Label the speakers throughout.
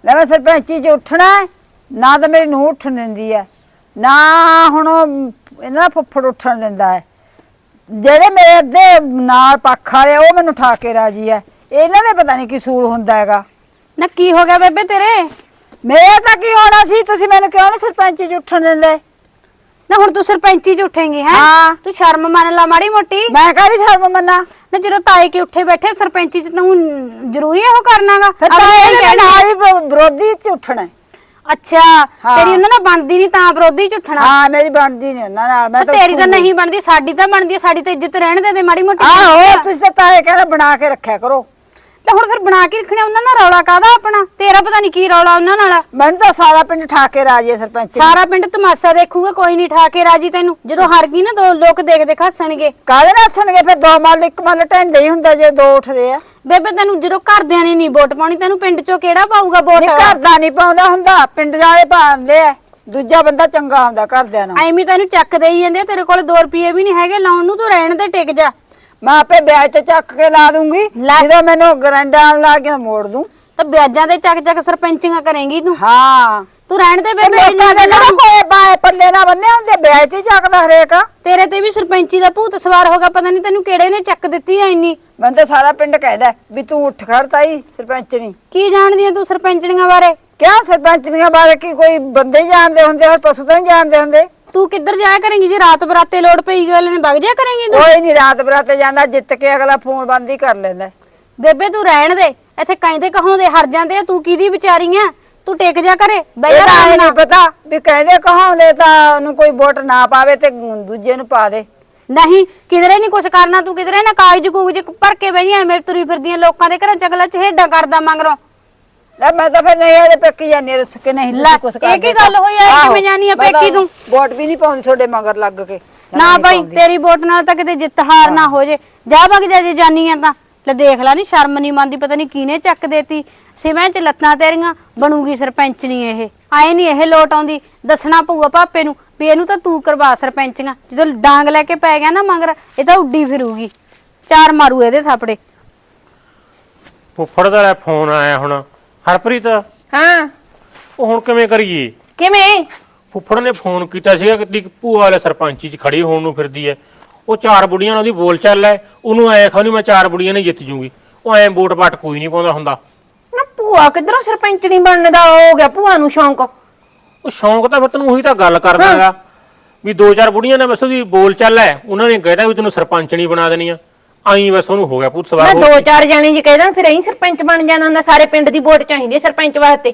Speaker 1: ਲੈ ਮੈਂ ਸਰਪੰਚੀ ਚ ਉੱਠਣਾ ਨਾ ਤਾਂ ਮੇਰੀ ਨੂੰਹ ਉੱਠਣ ਦਿੰਦੀ ਹੈ ਨਾ ਹੁਣ ਇਹਨਾਂ ਦਾ ਫੁੱਫੜ ਉੱਠਣ ਦਿੰਦਾ ਹੈ। ਜਿਹੜੇ ਮੇਰੇ ਅੱਧੇ ਨਾਲ ਪੱਖ ਵਾਲੇ ਉਹ ਮੈਨੂੰ ਠਾ ਕੇ ਰਾਜੀ ਹੈ। ਇਹਨਾਂ ਦੇ ਪਤਾ ਨਹੀਂ ਕੀ ਸੂਲ ਹੁੰਦਾ ਹੈਗਾ।
Speaker 2: ਨਾ ਕੀ ਹੋ ਗਿਆ ਬੇਬੇ ਤੇਰੇ?
Speaker 1: ਮੇਰਾ ਤਾਂ ਕੀ ਹੋਣਾ ਸੀ, ਤੁਸੀਂ ਮੈਨੂੰ ਕਿਉਂ ਨਹੀਂ ਸਰਪੰਚੀ ਚ ਉੱਠਣ ਦਿੰਦੇ?
Speaker 2: ਨਾ ਹੁਣ ਤੂੰ ਸਰਪੰਚੀ ਚ ਉੱਠੇਂਗੀ ਹੈ?
Speaker 1: ਹਾਂ।
Speaker 2: ਤੂੰ ਸ਼ਰਮ ਮੰਨ ਲਾ ਮਾੜੀ ਮੋਟੀ।
Speaker 1: ਮੈਂ ਕਾਹਦੀ ਸ਼ਰਮ ਮੰਨਾਂ?
Speaker 2: ਨਾ ਜਦੋਂ ਤਾਏ ਕੇ ਉੱਠੇ ਬੈਠੇ ਸਰਪੰਚੀ ਚ ਤੂੰ ਜ਼ਰੂਰੀ ਹੈ ਉਹ ਕਰਨਾਗਾ?
Speaker 1: ਫਿਰ ਤਾਂ ਇਹ ਨਾਲ ਹੀ ਵਿਰੋਧੀ ਚ ਉੱਠਣਾ।
Speaker 2: ਅੱਛਾ ਤੇਰੀ ਉਹਨਾਂ ਨਾਲ ਬਣਦੀ ਨਹੀਂ ਤਾਂ ਵਿਰੋਧੀ ਚ ਉੱਠਣਾ?
Speaker 1: ਹਾਂ ਮੇਰੀ ਬਣਦੀ ਨਹੀਂ ਉਹਨਾਂ ਨਾਲ। ਮੈਂ ਤਾਂ
Speaker 2: ਤੇਰੀ ਤਾਂ ਨਹੀਂ ਬਣਦੀ, ਸਾਡੀ ਤਾਂ ਬਣਦੀ ਹੈ। ਸਾਡੀ ਤਾਂ ਇੱਜ਼ਤ ਰਹਿਣ ਦੇ ਮਾੜੀ ਮੋਟੀ।
Speaker 1: ਆਹੋ ਤੁਸੀਂ ਤਾਂ ਤਾਏ ਕਹਿੰਦੇ ਬਣਾ ਕੇ ਰੱਖਿਆ ਕਰੋ।
Speaker 2: ਤੇ ਹੁਣ ਫਿਰ ਬਣਾ ਕੇ ਰੱਖਣੇ ਉਹਨਾਂ ਨਾਲ ਰੌਲਾ ਕਾਹਦਾ ਆਪਣਾ? ਤੇਰਾ ਪਤਾ ਨਹੀਂ ਕੀ ਰੌਲਾ ਉਹਨਾਂ ਨਾਲ।
Speaker 1: ਮੈਨੂੰ ਤਾਂ ਸਾਰਾ ਪਿੰਡ ਠਾ ਕੇ ਰਾਜੀ ਹੈ ਸਰਪੰਚ।
Speaker 2: ਸਾਰਾ ਪਿੰਡ ਤਮਾਸ਼ਾ ਦੇਖੂਗਾ, ਕੋਈ ਨਹੀਂ ਠਾ ਕੇ ਰਾਜੀ ਤੈਨੂੰ। ਜਦੋਂ ਹਾਰ ਗਈ ਨਾ ਦੋ ਲੋਕ ਦੇਖ ਦੇਖ ਹੱਸਣਗੇ।
Speaker 1: ਕਾਹਦੇ ਨਾਲ ਹੱਸਣਗੇ? ਫਿਰ ਦੋ ਮੱਲ ਇੱਕ ਮੱਲ ਢੈਂਦੇ ਹੀ ਹੁੰਦਾ ਜੇ ਦੋ ਉੱਠਦੇ ਆ।
Speaker 2: ਬੇਬੇ ਤੈਨੂੰ ਜਦੋਂ ਘਰਦਿਆਂ ਨੇ ਨਹੀਂ ਵੋਟ ਪਾਉਣੀ ਤੈਨੂੰ ਪਿੰਡ ਚੋਂ ਕਿਹੜਾ ਪਾਊਗਾ ਵੋਟ?
Speaker 1: ਨਹੀਂ ਘਰ ਦਾ ਨਹੀਂ ਪਾਉਂਦਾ ਹੁੰਦਾ, ਪਿੰਡ ਵਾਲੇ ਪਾਉਂਦੇ ਆ। ਦੂਜਾ ਬੰਦਾ ਚੰਗਾ ਹੁੰਦਾ ਘਰਦਿਆਂ ਨੂੰ।
Speaker 2: ਐਵੇਂ ਤੈਨੂੰ ਚੱਕ ਦੇਈ ਜਾਂਦੇ, ਤੇਰੇ ਕੋਲ 2 ਰੁਪਏ ਵੀ ਨਹੀਂ ਹੈਗੇ ਲਾਉਣ ਨੂੰ। ਤੂੰ ਰਹਿਣ ਤੇ ਟਿਕ ਜਾ।
Speaker 1: ਮੈਂ ਆਪੇ ਵਿਆਜ ਤੇ ਚੱਕ ਕੇ ਲਾ ਦੂੰਗੀ, ਜਦੋਂ ਮੈਨੂੰ ਗਰੰਡਾ ਆਉਣ ਲੱਗ ਗਿਆ ਮੋੜ ਦੂੰ।
Speaker 2: ਤਾਂ ਵਿਆਜਾਂ ਦੇ ਚੱਕ ਚੱਕ ਸਰਪੰਚੀਆਂ ਕਰੇਂਗੀ ਤੂੰ।
Speaker 1: ਹਾਂ
Speaker 2: ਤੂੰ ਰਹਿਣ ਤੇ ਬੇਬੇ।
Speaker 1: ਲੋਕਾਂ ਦੇ ਨਾ ਕੋਈ ਬਾਏ ਪੱਲੇ ਨਾ ਬੰਨੇ ਹੁੰਦੇ, ਵਿਆਜ ਤੇ ਚੱਕਦਾ ਹਰੇਕ।
Speaker 2: ਤੇਰੇ ਤੇ ਵੀ ਸਰਪੰਚੀ ਦਾ ਭੂਤ ਸਵਾਰ ਹੋਗਾ, ਪਤਾ ਨਹੀਂ ਤੈਨੂੰ ਕਿਹੜੇ ਨੇ ਚੱਕ ਦਿੱਤੀ ਐ ਇੰਨੀ।
Speaker 1: ਮੈਨੂੰ ਤਾਂ ਸਾਰਾ ਪਿੰਡ ਕਹਿੰਦਾ ਵੀ ਤੂੰ ਉੱਠ ਖੜ ਤਾਈ ਸਰਪੰਚ ਨਹੀਂ।
Speaker 2: ਕੀ ਜਾਣਦੀ ਐ ਤੂੰ ਸਰਪੰਚਣੀਆਂ ਬਾਰੇ?
Speaker 1: ਕਿਆ ਸਰਪੰਚਨੀਆਂ ਬਾਰੇ ਕੀ ਕੋਈ ਬੰਦੇ ਹੀ ਜਾਣਦੇ ਹੁੰਦੇ, ਹੋਰ ਪਸ਼ੂ ਤਾਂ ਨਹੀਂ ਜਾਣਦੇ ਹੁੰਦੇ।
Speaker 2: ਤੂੰ ਕਿੱਧਰ ਜਾਇਆ ਕਰੇਂਗੀ ਜੇ ਰਾਤ ਬਰਾਤੇ ਲੋੜ ਪਈ ਗੱਲ ਨੇ ਵਗ ਜਾ ਕਰੇਂਗੀ ਤੂੰ?
Speaker 1: ਕੋਈ ਨਹੀਂ ਰਾਤ ਬਰਾਤੇ ਜਾਂਦਾ, ਜਿੱਤ ਕੇ ਅਗਲਾ ਫੋਨ ਬੰਦ ਹੀ ਕਰ ਲੈਂਦਾ।
Speaker 2: ਬੇਬੇ ਤੂੰ ਰਹਿਣ ਦੇ, ਇੱਥੇ ਕਹਿੰਦੇ ਕਹਾਉਂਦੇ ਹਰ ਜਾਂਦੇ ਆ। ਤੂੰ ਕਿਹਦੀ ਵਿਚਾਰੀ ਆ? ਤੂੰ ਟਿਕ ਜਾ ਕਰੇ ਬਈ।
Speaker 1: ਇਹ ਨਹੀਂ ਪਤਾ ਵੀ ਕਹਿੰਦੇ ਕਹਾਉਂਦੇ ਤਾਂ ਉਹਨੂੰ ਕੋਈ ਵੋਟ ਨਾ ਪਾਵੇ ਤੇ ਦੂਜੇ ਨੂੰ ਪਾ ਦੇ।
Speaker 2: ਨਹੀਂ ਕਿਧਰੇ ਨਹੀਂ ਕੁਛ ਕਰਨਾ ਤੂੰ, ਕਿਧਰੇ ਨਾ ਕਾਗਜ਼ ਕੂਗਜ਼ ਭਰ ਕੇ ਬਈ ਐਵੇਂ ਤੁਰੀ ਫਿਰਦੀਆਂ ਲੋਕਾਂ ਦੇ ਘਰਾਂ ਚ। ਅਗਲਾ ਚਹੇਡਾ ਕਰਦਾ ਮੰਗਰੋਂ।
Speaker 1: ਲੈ ਮੈਂ ਤਾਂ ਫਿਰ ਨਹੀਂ ਇਹਦੇ ਪੇਕੀ ਜਾਨੀ ਰੁੱਸ ਕੇ। ਨਹੀਂ ਤੁਸੀਂ ਕੁਛ ਕਰਦੇ।
Speaker 2: ਇਹ ਕੀ ਗੱਲ ਹੋਈ ਐ? ਕਿਵੇਂ ਜਾਨੀ ਆ ਪੇਕੀ ਤੂੰ?
Speaker 1: ਵੋਟ ਵੀ ਨਹੀਂ ਪਾਉਂਦੀ ਤੁਹਾਡੇ ਮਗਰ ਲੱਗ ਕੇ।
Speaker 2: ਨਾ ਬਾਈ ਤੇਰੀ ਵੋਟ ਨਾਲ ਤਾਂ ਕਿਤੇ ਜਿੱਤ ਹਾਰ ਨਾ ਹੋ ਜੇ। ਜਾ ਵਗ ਜਾ ਜੇ ਜਾਨੀ ਆ ਤਾਂ। ਲੈ ਦੇਖ ਲੈ ਨੀ ਸ਼ਰਮ ਨਹੀਂ ਮੰਨਦੀ, ਪਤਾ ਨਹੀਂ ਕਿਹਨੇ ਚੱਕ ਦੇਤੀ ਸਿਵੇਂ ਚ ਲੱਤਾਂ ਤੇਰੀਆਂ। ਬਣੂਗੀ ਸਰਪੰਚਣੀ ਇਹ। ਆਏ ਨਹੀਂ ਇਹ ਲੋਟ ਆਉਂਦੀ। ਦੱਸਣਾ ਪਊਗਾ ਪਾਪੇ ਨੂੰ ਵੀ ਇਹਨੂੰ ਤਾਂ ਤੂੰ ਕਰਵਾ ਸਰਪੰਚੀਆਂ। ਜਦੋਂ ਡਾਂਗ ਲੈ ਕੇ ਪੈ ਗਿਆ ਨਾ ਮਗਰ, ਇਹ ਤਾਂ ਉੱਡੀ ਫਿਰੂਗੀ। 4 ਮਾਰੂ ਇਹਦੇ ਥਾਪੜੇ।
Speaker 3: ਫੁੱਫੜ ਦਾ ਫੋਨ ਆਇਆ ਹੁਣ। ਹਰਪ੍ਰੀਤ
Speaker 4: ਹਾਂ
Speaker 3: ਉਹ ਹੁਣ ਕਿਵੇਂ ਕਰੀਏ?
Speaker 4: ਕਿਵੇਂ?
Speaker 3: ਫੁੱਫੜ ਨੇ ਫੋਨ ਕੀਤਾ ਸੀਗਾ ਕਿ ਭੂਆ ਵਾਲੇ ਸਰਪੰਚੀ ਚ ਖੜੀ ਹੋਣ ਨੂੰ ਫਿਰਦੀ ਐ। ਉਹ 4 ਬੁੜੀਆਂ ਨਾਲ ਉਹਦੀ ਬੋਲ ਚੱਲ ਐ। ਉਹਨੂੰ ਐ ਖਾਣੀ ਮੈਂ 4 ਬੁੜੀਆਂ ਨੇ ਜਿੱਤ ਜੂਗੀ। ਉਹ ਐ ਵੋਟ ਪਾਟ ਕੋਈ ਨਹੀਂ ਪਾਉਂਦਾ ਹੁੰਦਾ।
Speaker 4: ਨਾ ਭੂਆ ਕਿਧਰੋਂ ਸਰਪੰਚ ਨਹੀਂ ਬਣਨ ਦਾ ਹੋ ਗਿਆ ਭੂਆ ਨੂੰ ਸ਼ੌਂਕ?
Speaker 3: ਉਹ ਸ਼ੌਂਕ ਤਾਂ ਫਿਰ ਤੈਨੂੰ ਉਹੀ ਤਾਂ ਗੱਲ ਕਰਦਾਗਾ ਵੀ 2-4 ਬੁੜੀਆਂ ਨੇ ਬਸ ਉਹਦੀ ਬੋਲ ਚੱਲ ਐ। ਉਹਨਾਂ ਨੇ ਕਹਿਤਾ ਵੀ ਤੈਨੂੰ ਸਰਪੰਚਣੀ ਬਣਾ ਦੇਣੀ ਆ। ਆਈ ਬਸ ਉਹਨੂੰ ਹੋ ਗਿਆ ਭੂਤ ਸਵਾਰ।
Speaker 4: ਮੈਂ 2-4 ਜਾਣੇ ਜੀ ਕਹਿਦਾ ਫਿਰ ਐਂ ਸਰਪੰਚ ਬਣ ਜਾਣਾ ਹੁੰਦਾ। ਸਾਰੇ ਪਿੰਡ ਦੀ ਵੋਟ ਚਾਹੀਦੀ ਹੈ ਸਰਪੰਚ ਵਾਸਤੇ।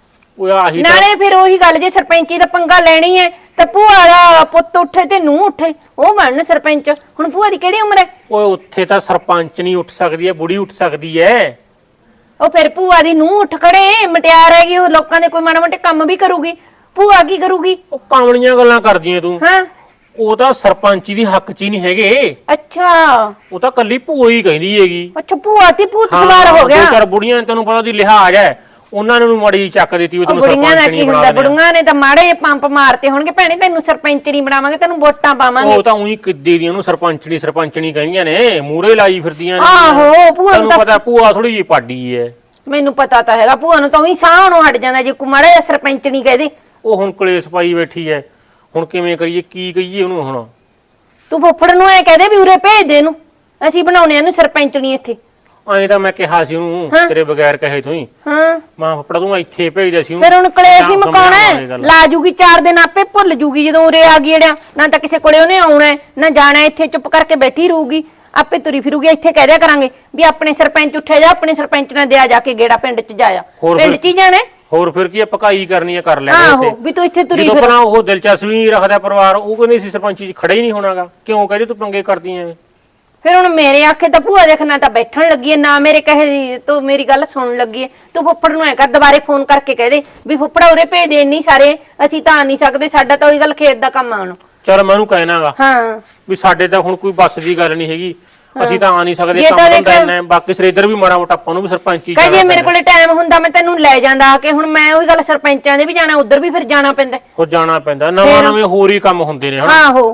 Speaker 3: ਉਹ ਆਹੀ ਤਾਂ
Speaker 4: ਨਾਲੇ ਫਿਰ ਉਹੀ ਗੱਲ, ਜੇ ਸਰਪੰਚੀ ਦਾ ਪੰਗਾ ਲੈਣੀ ਹੈ ਤਾਂ ਭੂਆ ਦਾ ਪੁੱਤ ਉੱਠੇ ਤੇ ਨੂੰਹ ਉੱਠੇ, ਉਹ ਬਣਨ ਸਰਪੰਚ। ਹੁਣ ਭੂਆ ਦੀ ਕਿਹੜੀ ਉਮਰ ਹੈ?
Speaker 3: ਓਏ ਉੱਥੇ ਤਾਂ ਸਰਪੰਚ ਨਹੀਂ ਉੱਠ ਸਕਦੀ ਐ, ਬੁੜੀ ਉੱਠ ਸਕਦੀ ਐ।
Speaker 4: ਉਹ ਫਿਰ ਭੂਆ ਦੀ ਨੂੰਹ ਉੱਠ ਖੜੇ, ਮਟਿਆਰ ਹੈਗੀ ਉਹ, ਲੋਕਾਂ ਦੇ ਕੋਈ ਮਾੜਾ ਮੋਟੇ ਕੰਮ ਵੀ ਕਰੂਗੀ। ਭੂਆ ਕੀ ਕਰੂਗੀ?
Speaker 3: ਉਹ ਕਾਮਲੀਆਂ ਗੱਲਾਂ ਕਰਦੀਆਂ ਤੂੰ।
Speaker 4: ਹਾਂ
Speaker 3: ਉਹ ਤਾਂ ਸਰਪੰਚੀ ਦੀ ਹੱਕ ਚ ਹੀ ਨਹੀਂ ਹੈਗੇ।
Speaker 4: ਅੱਛਾ
Speaker 3: ਉਹ ਤਾਂ ਕੱਲੀ ਭੂਆ ਹੀ ਕਹਿੰਦੀ ਹੈਗੀ।
Speaker 4: ਅੱਛਾ ਭੂਆ ਤੇ ਭੂਤ ਸਵਾਰ ਹੋ ਗਿਆ।
Speaker 3: 2-4 ਬੁੜੀਆਂ ਤੈਨੂੰ ਪਤਾ ਉਹਦੀ ਲਿਹਾਜ਼ ਹੈ, ਉਹਨਾਂ ਨੂੰ ਮਾੜੀ ਚੱਕ ਦਿੱਤੀ ਵੀ ਤੈਨੂੰ
Speaker 4: ਬੁੜੀਆਂ ਦਾ
Speaker 3: ਸਰਪੰਚ ਨਹੀਂ
Speaker 4: ਕੀ
Speaker 3: ਬਣਾ
Speaker 4: ਹੁੰਦਾ?
Speaker 3: ਦੇਣਾ।
Speaker 4: ਬੁੜੀਆਂ ਨੇ ਤਾਂ ਮਾੜੇ ਜਿਹੇ ਪੰਪ ਮਾਰਤੇ ਹੋਣਗੇ, ਭੈਣੇ ਤੈਨੂੰ ਸਰਪੰਚ ਨਹੀਂ ਬਣਾਵਾਂਗੇ, ਤੈਨੂੰ ਵੋਟਾਂ ਪਾਵਾਂਗੇ।
Speaker 3: ਉਹ ਤਾਂ ਉਹੀ ਕਿੱਦੇ ਦੀਆਂ ਨੂੰ ਸਰਪੰਚਣੀ ਕਹਿੰਦੀਆਂ ਨੇ, ਮੂਰੇ ਲਾਈ ਫਿਰਦੀਆਂ ਨੇ।
Speaker 4: ਆਹੋ ਭੂਆ ਨੂੰ
Speaker 3: ਤੈਨੂੰ ਪਤਾ ਭੂਆ ਥੋੜੀ ਜਿਹੀ ਪਾਡੀ ਹੈ।
Speaker 4: ਮੈਨੂੰ ਪਤਾ ਤਾਂ ਹੈਗਾ, ਭੂਆ ਨੂੰ ਤਾਂ ਉਹੀ ਸਾਹ ਨੂੰ ਹਟ ਜਾਂਦਾ ਜੇ ਕੋਈ ਮਾੜਾ ਜਿਹਾ ਸਰਪੰਚ ਨਹੀਂ ਕਹਦੇ।
Speaker 3: ਉਹ ਹੁਣ ਕਲੇਸ਼ ਪਾਈ ਬੈਠੀ ਹੈ। ਹੁਣ ਕਿਵੇਂ ਕਰੀਏ, ਕੀ ਕਹੀਏ ਉਹਨੂੰ? ਹੁਣ
Speaker 4: ਤੂੰ ਫੁੱਫੜ ਨੂੰ ਐ ਕਹਦੇ ਵੀ ਉਰੇ ਭੇਜ ਦੇ ਇਹਨੂੰ, ਅਸੀਂ ਬਣਾਉਣੇ ਇਹਨੂੰ ਸਰਪੰਚਣੀ ਇੱਥੇ।
Speaker 3: ਐਂ ਤਾਂ ਮੈਂ ਕਿਹਾ ਸੀ ਉਹਨੂੰ ਤੇਰੇ ਬਗੈਰ ਕਹੇ ਤੋਂ ਹੀ।
Speaker 4: ਹਾਂ
Speaker 3: ਮਾਂ ਫੁੱਫੜਾ ਤੂੰ ਇੱਥੇ ਭੇਜਦਾ ਸੀ
Speaker 4: ਫਿਰ ਹੁਣ ਕਲੇਸ਼ ਹੀ ਮਕਾਉਣਾ। ਲਾ ਜੂਗੀ 4 ਦਿਨ, ਆਪੇ ਭੁੱਲ ਜੂਗੀ ਜਦੋਂ ਉਰੇ ਆ ਗਈ। ਜਿਹੜਾ ਨਾ ਤਾਂ ਕਿਸੇ ਕੋਲੇ ਉਹਨੇ ਆਉਣਾ ਨਾ ਜਾਣਾ, ਇੱਥੇ ਚੁੱਪ ਕਰਕੇ ਬੈਠੀ ਰਹੂਗੀ, ਆਪੇ ਤੁਰੀ ਫਿਰੂਗੀ। ਇੱਥੇ ਕਹਿ ਦਿਆ ਕਰਾਂਗੇ ਵੀ ਆਪਣੇ ਸਰਪੰਚ ਉੱਠਿਆ ਜਾ, ਆਪਣੇ ਸਰਪੰਚ ਨਾਲ ਦਿਆ ਜਾ ਕੇ ਗੇੜਾ ਪਿੰਡ ਚ ਜਾਇਆ। ਪਿੰਡ ਚ ਹੀ ਜਾਣਾ।
Speaker 3: ਹੋਰ ਫਿਰ ਕੀ ਪਕਾਈ ਕਰਨੀ ਹੈ, ਕਰ ਲੈਣੇ
Speaker 4: ਆਹੋ ਵੀ ਤੂੰ ਇੱਥੇ ਤੁਰੀ
Speaker 3: ਜਦੋਂ
Speaker 4: ਫਿਰ।
Speaker 3: ਆਪਣਾ ਉਹ ਦਿਲਚਸਪੀ ਰੱਖਦਾ ਪਰਿਵਾਰ, ਉਹ ਕਹਿੰਦੇ ਸੀ ਸਰਪੰਚੀ ਚ ਖੜਾ ਹੀ ਨਹੀਂ ਹੋਣਾਗਾ। ਕਿਉਂ ਕਹਿੰਦੇ ਤੂੰ ਪੰਗੇ ਕਰਦੀ ਐ?
Speaker 4: ਫਿਰ ਹੁਣ ਮੇਰੇ ਆਖੇ ਤਾਂ ਭੂਆ ਦੇਖਣਾ ਤਾਂ ਬੈਠਣ ਲੱਗੀ ਐ, ਨਾ ਮੇਰੇ ਕਹੇ ਤੂੰ ਮੇਰੀ ਗੱਲ ਸੁਣਨ ਲੱਗੀ ਐ। ਤੂੰ ਫੁੱਫੜ ਨੂੰ ਐ ਕਰ, ਦੁਬਾਰੇ ਫੋਨ ਕਰਕੇ ਕਹਿ ਦੇ ਵੀ ਫੁੱਫੜਾ ਉਰੇ ਭੇਜ ਦੇ, ਇੰਨੀ ਸਾਰੇ ਅਸੀਂ ਤਾਂ ਆ ਨਹੀਂ ਸਕਦੇ, ਸਾਡਾ ਤਾਂ ਉਹੀ ਗੱਲ ਖੇਤ ਦਾ ਕੰਮ ਆਉਣ।
Speaker 3: ਚਲ ਮੈਂ ਉਹਨੂੰ ਕਹਿਣਾਗਾ
Speaker 4: ਹਾਂ
Speaker 3: ਵੀ ਸਾਡੇ ਤਾਂ ਹੁਣ ਕੋਈ ਬੱਸ ਦੀ ਗੱਲ ਨਹੀਂ ਹੈਗੀ, ਅਸੀਂ ਤਾਂ ਆ ਨਹੀਂ ਸਕਦੇ,
Speaker 4: ਜੇ ਤਾਂ
Speaker 3: ਕੰਮ
Speaker 4: ਦੇਖ-
Speaker 3: ਹੁੰਦਾ ਇੰਨਾ। ਬਾਕੀ ਸਰੇਦਰ ਵੀ ਮਾੜਾ ਮੋਟਾ ਆਪਾਂ ਨੂੰ ਵੀ ਸਰਪੰਚੀ
Speaker 4: ਕਹੇ ਜੇ ਮੇਰੇ ਕੋਲੇ ਟਾਈਮ ਹੁੰਦਾ ਮੈਂ ਤੈਨੂੰ ਲੈ ਜਾਂਦਾ ਆ ਕੇ। ਹੁਣ ਮੈਂ ਉਹੀ ਗੱਲ, ਸਰਪੰਚਾਂ ਦੇ ਵੀ ਜਾਣਾ, ਉਧਰ ਵੀ ਫਿਰ ਜਾਣਾ ਪੈਂਦਾ।
Speaker 3: ਹੋ ਜਾਣਾ ਪੈਂਦਾ, ਨਵਾਂ ਨਵੇਂ ਹੋਰ ਹੀ ਕੰਮ ਹੁੰਦੇ ਨੇ।
Speaker 4: ਆਹੋ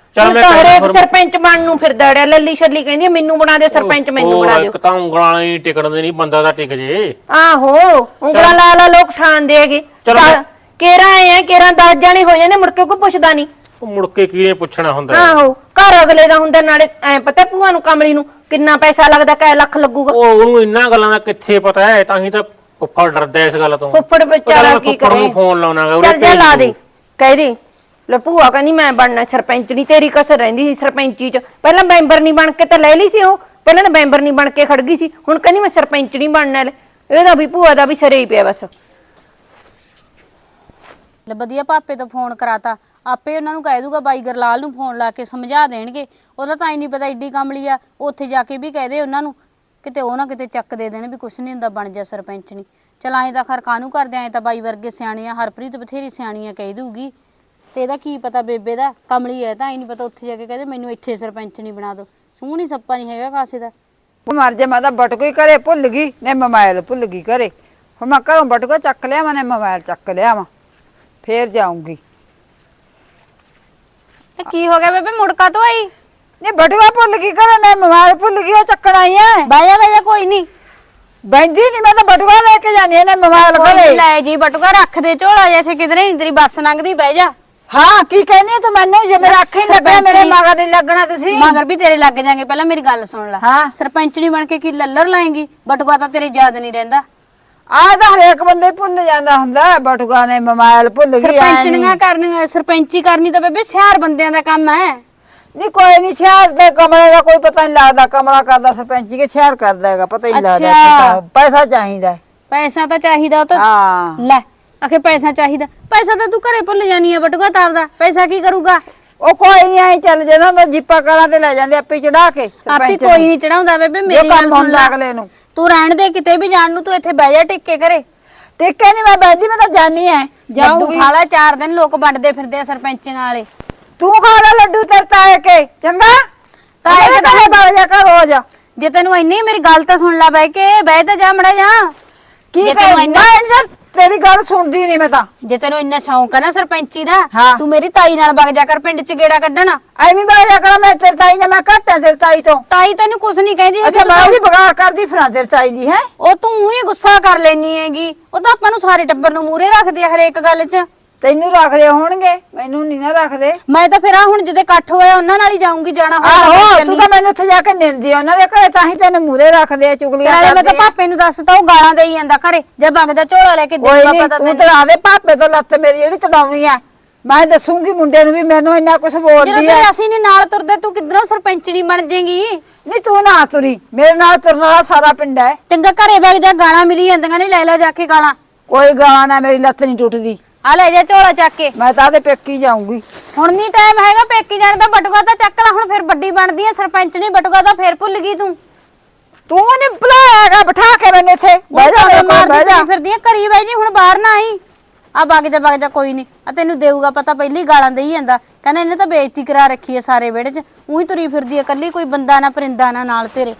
Speaker 3: ਚੱਲ
Speaker 4: ਹੁਣ
Speaker 3: ਮੈਂ
Speaker 4: ਤਾਂ
Speaker 3: ਕਹਿੰਦਾ
Speaker 4: ਹਰੇਕ
Speaker 3: ਫਿਰ-
Speaker 4: ਸਰਪੰਚ ਬਣਨ ਨੂੰ ਫਿਰਦਾ ਅੜਿਆ, ਲੱਲੀ ਛੱਲੀ ਕਹਿੰਦੀ ਆ, ਮੈਨੂੰ ਬਣਾ ਦੇ ਸਰਪੰਚ, ਮੈਨੂੰ ਬਣਾ ਦਿਓ।
Speaker 3: ਇੱਕ ਤਾਂ ਉਂਗਲਾਂ ਨਾਲ ਹੀ ਟਿਕਣ ਦੇ ਨਹੀਂ, ਬੰਦਾ ਤਾਂ ਟਿਕ ਜੇ।
Speaker 4: ਆਹੋ ਉਂਗਲਾਂ ਲਾ ਲਾ ਲੋਕ ਠਾਣਦੇ ਹੈਗੇ।
Speaker 3: ਚਲੋ ਮੈਂ-
Speaker 4: ਕੇਰਾ ਆਏ ਆ, ਕੇਰਾ 10 ਜਾਣੇ ਹੋ ਜਾਂਦੇ, ਮੁੜ ਕੇ ਕੋਈ ਪੁੱਛਦਾ ਨਹੀਂ।
Speaker 3: ਉਹ ਮੁੜ ਕੇ ਕਿਹਨੇ ਪੁੱਛਣਾ ਹੁੰਦਾ ਹੈ?
Speaker 4: ਆਹੋ ਘਰ ਅਗਲੇ ਦਾ ਹੁੰਦਾ, ਨਾਲੇ ਐ ਪਤਾ ਭੂਆ ਨੂੰ ਕਮਲੀ ਨੂੰ ਕਿੰਨਾ ਪੈਸਾ ਲੱਗਦਾ, ਕੈ ਲੱਖ ਲੱਗੂਗਾ।
Speaker 3: ਉਹ ਉਹਨੂੰ ਇੰਨਾ ਗੱਲਾਂ ਦਾ ਕਿੱਥੇ ਪਤਾ ਹੈ, ਤਾਂ ਹੀ ਤਾਂ ਫੁੱਫੜ ਡਰਦਾ ਇਸ ਗੱਲ ਤੋਂ।
Speaker 4: ਫੁੱਫੜ ਵਿਚਾਰਾ ਕੀ
Speaker 3: ਫੁੱਫੜ
Speaker 4: ਕਰੇ।
Speaker 3: ਨੂੰ ਫੋਨ ਲਾਉਣਾਗਾ,
Speaker 4: ਚੱਲ ਜਾ ਲਾ ਦੇ, ਕਹਿ ਦੇ ਲੈ ਭੂਆ ਕਹਿੰਦੀ ਮੈਂ ਬਣਨਾ ਸਰਪੰਚ ਨਹੀਂ, ਤੇਰੀ ਕਸਰ ਰਹਿੰਦੀ ਸੀ ਸਰਪੰਚੀ ਚ। ਪਹਿਲਾਂ ਮੈਂਬਰ ਨਹੀਂ ਬਣ ਕੇ ਤਾਂ ਲੈ ਲਈ ਸੀ ਉਹ, ਪਹਿਲਾਂ ਤਾਂ ਮੈਂਬਰ ਨਹੀਂ ਬਣ ਕੇ ਖੜ ਗਈ ਸੀ, ਹੁਣ ਕਹਿੰਦੀ ਮੈਂ ਸਰਪੰਚ ਨਹੀਂ ਬਣਨਾ। ਇਹਦਾ ਵੀ ਭੂਆ ਦਾ ਵੀ ਸਰੇ ਹੀ ਪਿਆ ਬਸ।
Speaker 2: ਲੈ ਵਧੀਆ ਪਾਪੇ ਤੋਂ ਫੋਨ ਕਰਾਤਾ, ਆਪੇ ਉਹਨਾਂ ਨੂੰ ਕਹਿ ਦੂਗਾ ਬਾਈ ਗਰਲਾਲ ਨੂੰ ਫੋਨ ਲਾ ਕੇ ਸਮਝਾ ਦੇਣਗੇ। ਉਹਦਾ ਤਾਂ ਹੀ ਨਹੀਂ ਪਤਾ ਏਡੀ ਕਮਲੀ ਆ, ਉੱਥੇ ਜਾ ਕੇ ਵੀ ਕਹਿ ਦੇ ਉਹਨਾਂ ਨੂੰ, ਕਿਤੇ ਉਹ ਨਾ ਕਿਤੇ ਚੱਕ ਦੇ ਦੇਣ ਵੀ ਕੁਛ ਨਹੀਂ ਹੁੰਦਾ, ਬਣ ਜਾ ਸਰਪੰਚ ਨਹੀਂ। ਚਲ ਐਂ ਤਾਂ ਖਰ ਕਾਹਨੂੰ ਕਰਦੇ, ਐਂ ਤਾਂ ਬਾਈ ਵਰਗੇ ਸਿਆਣੀਆਂ, ਹਰਪ੍ਰੀਤ ਬਥੇਰੀ ਸਿਆਣੀਆਂ ਕਹਿ ਦੂਗੀ। ਤੇ ਇਹਦਾ ਕੀ ਪਤਾ ਬੇਬੇ ਦਾ, ਕਮਲੀ ਹੈ ਤਾਂ ਹੀ ਨਹੀਂ ਪਤਾ, ਉੱਥੇ ਜਾ ਕੇ ਕਹਦੇ ਮੈਨੂੰ ਇੱਥੇ ਸਰਪੰਚ ਨਹੀਂ ਬਣਾ ਦੋ। ਸੂਹ ਨਹੀਂ ਸੱਪਾ ਨਹੀਂ ਹੈਗਾ ਕਾਸੇ ਦਾ।
Speaker 1: ਮਰ ਜਾ, ਮੈਂ ਤਾਂ ਬਟਕੂ ਹੀ ਘਰੇ ਭੁੱਲ ਗਈ ਨੇ, ਮੋਬਾਈਲ ਭੁੱਲ ਗਈ ਘਰੇ। ਹੁਣ ਮੈਂ ਘਰੋਂ ਬਟਕੂ ਚੱਕ ਲਿਆ, ਮੈਂ ਮੋਬਾਈਲ ਚੱਕ ਲਿਆ ਵਾ, ਫੇਰ ਜਾਊਂਗੀ।
Speaker 2: ਇਹ ਕੀ ਹੋ ਗਿਆ ਬੇਬੇ, ਮੁੜਕਾ ਤੋਂ ਆਈ?
Speaker 1: ਨੇ ਬਟੂਆ ਭੁੱਲ ਗਈ ਘਰੇ, ਮੈਂ ਮੋਬਾਈਲ ਭੁੱਲ ਗਈ, ਉਹ ਚੱਕਣ ਆਈ ਐ।
Speaker 2: ਬਾਇਆ ਕੋਈ ਨਹੀਂ,
Speaker 1: ਬੈਂਦੀ ਨਹੀਂ, ਮੈਂ ਤਾਂ ਬਟੂਆ ਲੈ ਕੇ ਜਾਣੀ ਐ ਨੇ ਮੋਬਾਈਲ ਘਰੇ।
Speaker 2: ਲੈ ਜੀ ਬਟੂਆ ਰੱਖ ਦੇ ਝੋਲਾ ਜਿਹਾ, ਇੱਥੇ ਕਿਧਰੇ ਨਹੀਂ ਤੇਰੀ ਬੱਸ ਲੰਘਦੀ, ਬਹਿ ਜਾ।
Speaker 1: ਹਾਂ ਕੀ ਕਹਿੰਦੀ ਐ ਤੂੰ ਮੈਨੂੰ? ਜੇ ਮੇਰਾ ਅੱਖ ਹੀ ਲੱਗਿਆ, ਮੇਰੇ ਮਗਰ ਨਹੀਂ ਲੱਗਣਾ ਤੁਸੀਂ।
Speaker 2: ਮਗਰ ਵੀ ਤੇਰੇ ਲੱਗ ਜਾਗੇ, ਪਹਿਲਾਂ ਮੇਰੀ ਗੱਲ ਸੁਣ ਲੈ।
Speaker 1: ਹਾਂ
Speaker 2: ਸਰਪੰਚਣੀ ਬਣ ਕੇ ਕੀ ਲੱਲਰ ਲਾਏਂਗੀ? ਬਟੂਆ ਤਾਂ ਤੇਰੇ ਯਾਦ ਨਹੀਂ ਰਹਿੰਦਾ।
Speaker 1: ਆਹ ਤਾਂ ਹਰੇਕ ਬੰਦੇ ਭੁੱਲ ਜਾਂਦਾ ਹੁੰਦਾ, ਬਟੂਆ ਨੇ ਮੋਬਾਈਲ ਭੁੱਲ ਗਈ।
Speaker 2: ਸਰਪੰਚਣੀਆਂ ਕਰਨੀਆਂ, ਸਰਪੰਚੀ ਕਰਨੀ ਤਾਂ ਬੇਬੇ ਸ਼ਹਿਰ ਬੰਦਿਆਂ ਦਾ ਕੰਮ ਹੈ।
Speaker 1: ਨਹੀਂ ਕੋਈ ਨਹੀਂ, ਸ਼ਹਿਰ ਦੇ ਕਮਰੇ ਦਾ ਕੋਈ ਪਤਾ ਨਹੀਂ ਲੱਗਦਾ, ਕਮਰਾ ਕਰਦਾ ਸਰਪੰਚੀ ਕੇ ਸ਼ਹਿਰ ਕਰਦਾ ਹੈਗਾ, ਪਤਾ ਹੀ ਨਹੀਂ ਲੱਗਦਾ।
Speaker 2: ਅੱਛਾ।
Speaker 1: ਪੈਸਾ ਚਾਹੀਦਾ।
Speaker 2: ਪੈਸਾ ਤਾਂ ਚਾਹੀਦਾ, ਉਹ ਤਾਂ
Speaker 1: ਹਾਂ
Speaker 2: ਲੈ ਆਖੇ ਪੈਸਾ ਚਾਹੀਦਾ, ਪੈਸਾ ਤਾਂ ਤੂੰ ਘਰੇ ਭੁੱਲ ਜਾਨੀ ਆ, ਬਟੂਆ ਤਾਂ ਆਪਦਾ ਪੈਸਾ ਕੀ ਕਰੂਗਾ?
Speaker 1: ਉਹ ਕੋਈ ਨਹੀਂ ਆਈ ਚੱਲ ਜਾਂਦਾ ਹੁੰਦਾ, ਜੀਪਾ ਕਾਰਾਂ ਤੇ ਲੈ ਜਾਂਦੇ ਆਪੇ ਚੜਾ ਕੇ
Speaker 2: ਆਪੇ
Speaker 1: ਸਰਪੰਚ
Speaker 2: ਕੋਈ ਨਹੀਂ ਚੜਾਉਂਦਾ ਬੇਬੇ, ਮੇਰੀ ਗੱਲ
Speaker 1: ਕੰਮ
Speaker 2: ਸੁਣ
Speaker 1: ਹੁੰਦਾ
Speaker 2: ਲੈ।
Speaker 1: ਅਗਲੇ ਨੂੰ।
Speaker 2: ਤੂੰ ਰਹਿਣ ਦੇ, ਕਿਤੇ ਵੀ ਜਾਣ ਨੂੰ ਤੂੰ ਇੱਥੇ ਬਹਿ ਜਾ ਟਿੱਕੇ ਘਰੇ।
Speaker 1: ਟਿੱਕੇ ਨਹੀਂ ਮੈਂ ਬੈਠੀ, ਮੈਂ ਤਾਂ ਜਾਣੀ ਐ,
Speaker 2: ਜਾਊਂਗੀ
Speaker 1: ਜਾਊਂਗੀ।
Speaker 2: ਖਾ ਲੈ, 4 ਦਿਨ ਲੋਕ ਵੰਡਦੇ ਫਿਰਦੇ ਆ ਸਰਪੰਚੀਆਂ ਵਾਲੇ।
Speaker 1: ਤੂੰ ਖਾ ਲੈ ਲੱਡੂ ਤੇਰੇ ਤਾਏ ਕੇ, ਚੰਗਾ ਤਾਏ ਕੇ ਤਾਂ ਬਗ ਜਾ ਕਰ ਰੋਜ਼।
Speaker 2: ਜੇ ਤੈਨੂੰ ਇੰਨੀ ਮੇਰੀ ਗੱਲ ਤਾਂ ਸੁਣ ਲੈ, ਬਹਿ ਕੇ ਬਹਿ ਤਾਂ ਜਾ ਮੜਾ ਜਾ।
Speaker 1: ਕੀ
Speaker 2: ਜੇ
Speaker 1: ਕਰ
Speaker 2: ਤੈਨੂੰ ਇੰਨਾ-
Speaker 1: ਮੈਂ ਤੇਰੀ ਗੱਲ ਸੁਣਦੀ ਨਹੀਂ ਮੈਂ ਤਾਂ।
Speaker 2: ਜੇ ਤੈਨੂੰ ਇੰਨਾ ਸ਼ੌਂਕ ਹੈ ਨਾ ਸਰਪੰਚੀ ਦਾ,
Speaker 1: ਹਾਂ।
Speaker 2: ਤੂੰ ਮੇਰੀ ਤਾਈ ਨਾਲ ਵਗ ਜਾ ਕਰ ਪਿੰਡ 'ਚ ਗੇੜਾ ਕੱਢਣ।
Speaker 1: ਐਵੇਂ ਬਗ ਜਾ ਕਰ, ਮੈਂ ਤੇਰੇ ਤਾਈ ਨੇ ਮੈਂ ਘੱਟ ਐ ਤੇਰੇ ਤਾਈ ਤੋਂ।
Speaker 2: ਤਾਈ ਤੈਨੂੰ ਕੁਝ ਨਹੀਂ ਕਹਿੰਦੀ
Speaker 1: ਅੱਛਾ ਮੈਂ ਉਹਦੀ ਬਗਾੜ ਕਰਦੀ ਫਿਰਾਂ ਤੇਰੇ ਤਾਈ ਦੀ ਹੈ।
Speaker 2: ਉਹ ਤੂੰ ਹੀ ਗੁੱਸਾ ਕਰ ਲੈਣੀ ਹੈਗੀ, ਉਹ ਤਾਂ ਆਪਾਂ ਨੂੰ ਸਾਰੇ ਟੱਬਰ ਨੂੰ ਮੂਹਰੇ ਰੱਖਦੇ ਆ ਹਰੇਕ ਗੱਲ 'ਚ।
Speaker 1: ਤੈਨੂੰ ਰੱਖਦੇ ਹੋਣਗੇ, ਮੈਨੂੰ ਨਹੀਂ ਨਾ ਰੱਖਦੇ।
Speaker 2: ਮੈਂ ਤਾਂ ਫਿਰ ਆ ਹੁਣ ਜਿਹਦੇ ਇਕੱਠ ਹੋਇਆ ਉਹਨਾਂ ਨਾਲ ਹੀ ਜਾਊਂਗੀ, ਜਾਣਾ ਹੋਇਆ
Speaker 1: ਆਹੋ
Speaker 2: ਤਾਂ
Speaker 1: ਤੂੰ
Speaker 2: ਚੱਲੀ।
Speaker 1: ਤਾਂ ਮੈਨੂੰ ਉੱਥੇ ਜਾ ਕੇ ਨਿੰਦੀ ਉਹਨਾਂ ਦੇ ਘਰੇ, ਤਾਂ ਹੀ ਤੈਨੂੰ ਮੂਰੇ ਰੱਖਦੇ ਆ, ਚੁਗਲੀਆਂ
Speaker 2: ਨਾਲੇ ਮੈਂ ਤਾਂ
Speaker 1: ਕਰਦੇ ਆ।
Speaker 2: ਪਾਪੇ ਨੂੰ ਦੱਸਤਾ, ਉਹ ਗਾਲਾਂ ਦੇਈ ਜਾਂਦਾ ਘਰੇ, ਜੇ ਵਗ ਜਾ ਝੋਲਾ ਲੈ ਕੇ
Speaker 1: ਕੋਈ
Speaker 2: ਦੇਊਗਾ
Speaker 1: ਨਹੀਂ
Speaker 2: ਪਤਾ
Speaker 1: ਤੂੰ
Speaker 2: ਤੈਨੂੰ।
Speaker 1: ਤੜਾ ਦੇ ਪਾਪੇ ਤੋਂ ਲੱਤ ਮੇਰੀ ਜਿਹੜੀ ਤੜਾਉਣੀ ਆ, ਮੈਂ ਦੱਸੂਗੀ ਮੁੰਡੇ ਨੂੰ ਵੀ ਮੈਨੂੰ ਇੰਨਾ ਕੁਝ
Speaker 2: ਜਦੋਂ
Speaker 1: ਬੋਲਦੀ ਆ।
Speaker 2: ਤੇਰੇ ਅਸੀਂ ਨਹੀਂ ਨਾਲ ਤੁਰਦੇ, ਤੂੰ ਕਿੱਧਰੋਂ ਸਰਪੰਚਣੀ ਬਣ ਜਾਏਗੀ?
Speaker 1: ਨਹੀਂ ਤੂੰ ਨਾ ਤੁਰੀ, ਮੇਰੇ ਨਾਲ ਤੁਰਨ ਵਾਲਾ ਸਾਰਾ ਪਿੰਡ ਹੈ।
Speaker 2: ਚੰਗਾ ਘਰੇ ਵਗ ਜਾ, ਗਾਲਾਂ ਮਿਲੀ ਜਾਂਦੀਆਂ ਨੇ, ਲੈ ਲੈ ਜਾ ਕੇ ਗਾਲਾਂ।
Speaker 1: ਕੋਈ ਗਾਲਾਂ ਨਾ, ਮੇਰੀ ਲੱਤ ਨਹੀਂ ਟੁੱਟਦੀ।
Speaker 2: ਆ ਲੈ ਜਾ ਝੋਲਾ ਚੱਕ ਕੇ।
Speaker 1: ਮੈਂ ਤਾਂ ਆਦੇ ਪੇਕੀ ਜਾਊਂਗੀ।
Speaker 2: ਹੁਣ ਨਹੀਂ ਟਾਈਮ ਹੈਗਾ ਪੇਕੀ ਜਾਣ ਦਾ, ਬਟੂਆ ਤਾਂ ਚੱਕ ਲੈ ਹੁਣ, ਫਿਰ ਵੱਡੀ ਬਣਦੀ ਆ ਸਰਪੰਚ ਨਹੀਂ, ਬਟੂਆ ਤਾਂ ਫੇਰ ਭੁੱਲ ਗਈ ਤੂੰ।
Speaker 1: ਤੂੰ ਨਹੀਂ ਬੁਲਾਇਆਗਾ ਬਿਠਾ ਕੇ ਮੈਨੂੰ ਇੱਥੇ, ਬਹਿ ਜਾ ਮੇਰੇ ਕੋਲ, ਬਹਿ ਜਾ।
Speaker 2: ਫਿਰਦੀ ਆ ਘਰੀ ਬਹਿ ਜੀ, ਹੁਣ ਬਾਹਰ ਨਾ ਆਈ। ਆ ਵਗ ਜਾ ਕੋਈ ਨਹੀਂ, ਆ ਤੈਨੂੰ ਦੇਊਗਾ ਪਤਾ, ਪਹਿਲੀ ਗਾਲਾਂ ਦੇਈ ਜਾਂਦਾ, ਕਹਿੰਦਾ ਇਹਨੇ ਤਾਂ ਬੇਇੱਜ਼ਤੀ ਕਰਾ ਰੱਖੀ ਹੈ ਸਾਰੇ ਵਿਹੜੇ 'ਚ, ਉਹੀ ਤੁਰੀ ਫਿਰਦੀ ਹੈ ਕੱਲੀ, ਕੋਈ ਬੰਦਾ ਨਾ ਪਰਿੰਦਾ ਨਾ ਨਾਲ ਤੇਰੇ।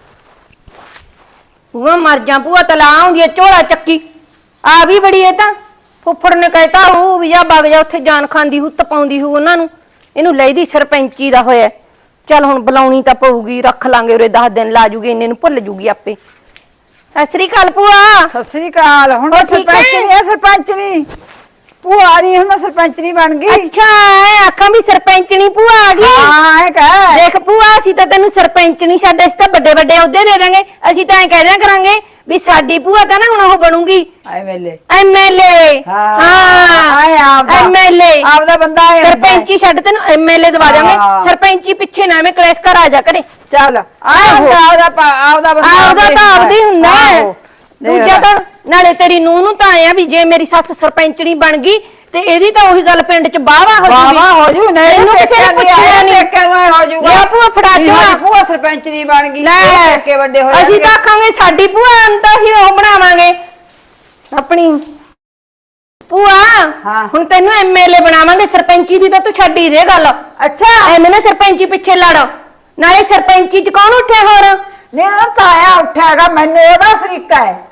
Speaker 4: ਭੂਆ ਮਰ ਜਾ, ਭੂਆ ਤਲਾ ਆਉਂਦੀ ਐ ਝੋਲਾ ਚੱਕੀ ਆ ਵੀ ਬੜੀ ਐ। ਤਾਂ ਫੁੱਫੜ ਨੇ ਕਹਿਤਾ ਉਹ ਵੀ ਜਾ ਵਗ ਜਾ, ਉੱਥੇ ਜਾਨ ਖਾਂਦੀ ਹੁੱਤ ਪਾਉਂਦੀ ਹੂ ਉਹਨਾਂ ਨੂੰ, ਇਹਨੂੰ ਲੈਦੀ ਸਰਪੰਚੀ ਦਾ ਹੋਇਆ। ਚੱਲ ਹੁਣ ਬੁਲਾਉਣੀ ਤਾਂ ਪਊਗੀ, ਰੱਖ ਲਾਂਗੇ ਉਰੇ 10 ਦਿਨ ਲਾ ਜੂਗੀ, ਇੰਨੇ ਨੂੰ ਭੁੱਲ ਜੂਗੀ ਆਪੇ। ਸਤਿ ਸ੍ਰੀ ਅਕਾਲ ਭੂਆ।
Speaker 1: ਸਤਿ ਸ੍ਰੀ ਅਕਾਲ। ਹੁਣ ਮੈਂ
Speaker 4: ਠੀਕ
Speaker 1: ਸਰਪੰਚ
Speaker 4: ਹੈ?
Speaker 1: ਨਹੀਂ ਆ, ਸਰਪੰਚ ਨਹੀਂ ਭੂਆ ਨਹੀਂ, ਹੁਣ ਮੈਂ ਸਰਪੰਚ ਨਹੀਂ ਬਣ ਗਈ।
Speaker 4: ਅੱਛਾ ਆਖਾਂ ਵੀ ਸਰਪੰਚਣੀ ਭੂਆ ਆ ਗਈ।
Speaker 1: ਹਾਂ ਇਹ ਕਹਿ।
Speaker 4: ਦੇਖ ਭੂਆ, ਅਸੀਂ ਤਾਂ ਤੈਨੂੰ ਸਰਪੰਚ ਨਹੀਂ, ਸਾਡੇ ਅਸੀਂ ਤਾਂ ਵੱਡੇ ਵੱਡੇ ਅਹੁਦੇ ਦੇ ਦਾਂਗੇ। ਅਸੀਂ ਤਾਂ ਐ ਕਹਿ ਦਿਆ ਕਰਾਂਗੇ ਵੀ ਸਾਡੀ ਭੂਆ ਤਾਂ ਨਾ ਹੁਣ ਉਹ ਬਣੂਗੀ
Speaker 1: ਐਮਐਲਏ।
Speaker 4: ਐਮਐਲਏ।
Speaker 1: ਆਏ ਆਪਦਾ
Speaker 4: ਐਮਐਲਏ
Speaker 1: ਆਪਦਾ ਬੰਦਾ ਹੈ।
Speaker 4: ਸਰਪੰਚੀ ਛੱਡ, ਤੈਨੂੰ ਐਮਐਲਏ ਦਵਾ ਦਾਂਗੇ।
Speaker 1: ਹਾਂ।
Speaker 4: ਸਰਪੰਚੀ ਪਿੱਛੇ ਨਾ ਐਵੇਂ ਕਲੇਸ਼ ਕਰ ਆ ਜਾ ਕਰੇ।
Speaker 1: ਚੱਲ
Speaker 4: ਆਹੋ।
Speaker 1: ਆਪਦਾ ਬੰਦਾ
Speaker 4: ਆਪਦਾ ਤਾਂ ਆਪਦੀ ਹੁੰਦਾ ਹੈ।
Speaker 1: ਆਹੋ।
Speaker 4: ਦੂਜਾ ਤਾਂ ਨਾਲੇ ਤੇਰੀ ਨੂੰਹ ਨੂੰ ਤਾਂ ਆਇਆ ਵੀ ਜੇ ਮੇਰੀ ਸੱਸ ਸਰਪੰਚਣੀ ਬਣ ਗਈ ਤੇ ਇਹਦੀ ਤਾਂ ਉਹੀ ਗੱਲ ਪਿੰਡ 'ਚ ਬਾਵਾ ਹੋ ਜੂਗੀ।
Speaker 1: ਬਾਵਾ ਹੋ ਜੂ, ਨਹੀਂ
Speaker 4: ਇਹਨੂੰ ਕਿਸੇ ਨੇ ਪੁੱਛਿਆ ਨਹੀਂ।
Speaker 1: ਕਿਵੇਂ ਹੋ ਜੂਗਾ?
Speaker 4: ਲਿਆ ਭੂਆ ਫੜਾ ਝੋਲਾ।
Speaker 1: ਭੂਆ ਸਰਪੰਚ ਨਹੀਂ ਬਣ ਗਈ,
Speaker 4: ਲੈ
Speaker 1: ਕੇ ਵੱਡੇ ਹੋ
Speaker 4: ਅਸੀਂ ਤਾਂ ਆਖਾਂਗੇ ਸਾਡੀ ਭੂਆ ਨੂੰ ਤਾਂ ਅਸੀਂ ਉਹ ਬਣਾਵਾਂਗੇ ਆਪਣੀ ਭੂਆ।
Speaker 1: ਹਾਂ।
Speaker 4: ਹੁਣ ਤੈਨੂੰ ਐਮਐਲਏ ਬਣਾਵਾਂਗੇ, ਸਰਪੰਚੀ ਦੀ ਤਾਂ ਤੂੰ ਛੱਡ ਹੀ ਦੇ ਗੱਲ।
Speaker 1: ਅੱਛਾ
Speaker 4: ਐਵੇਂ ਨਾ ਸਰਪੰਚੀ ਪਿੱਛੇ ਲੜ, ਨਾਲੇ ਸਰਪੰਚੀ 'ਚ ਕੌਣ ਉੱਠਿਆ ਹੋਰ?
Speaker 1: ਨਹੀਂ ਉਹ ਤਾਇਆ ਉੱਠਿਆਗਾ, ਮੈਨੂੰ ਉਹਦਾ ਸਰੀਕਾ ਹੈ।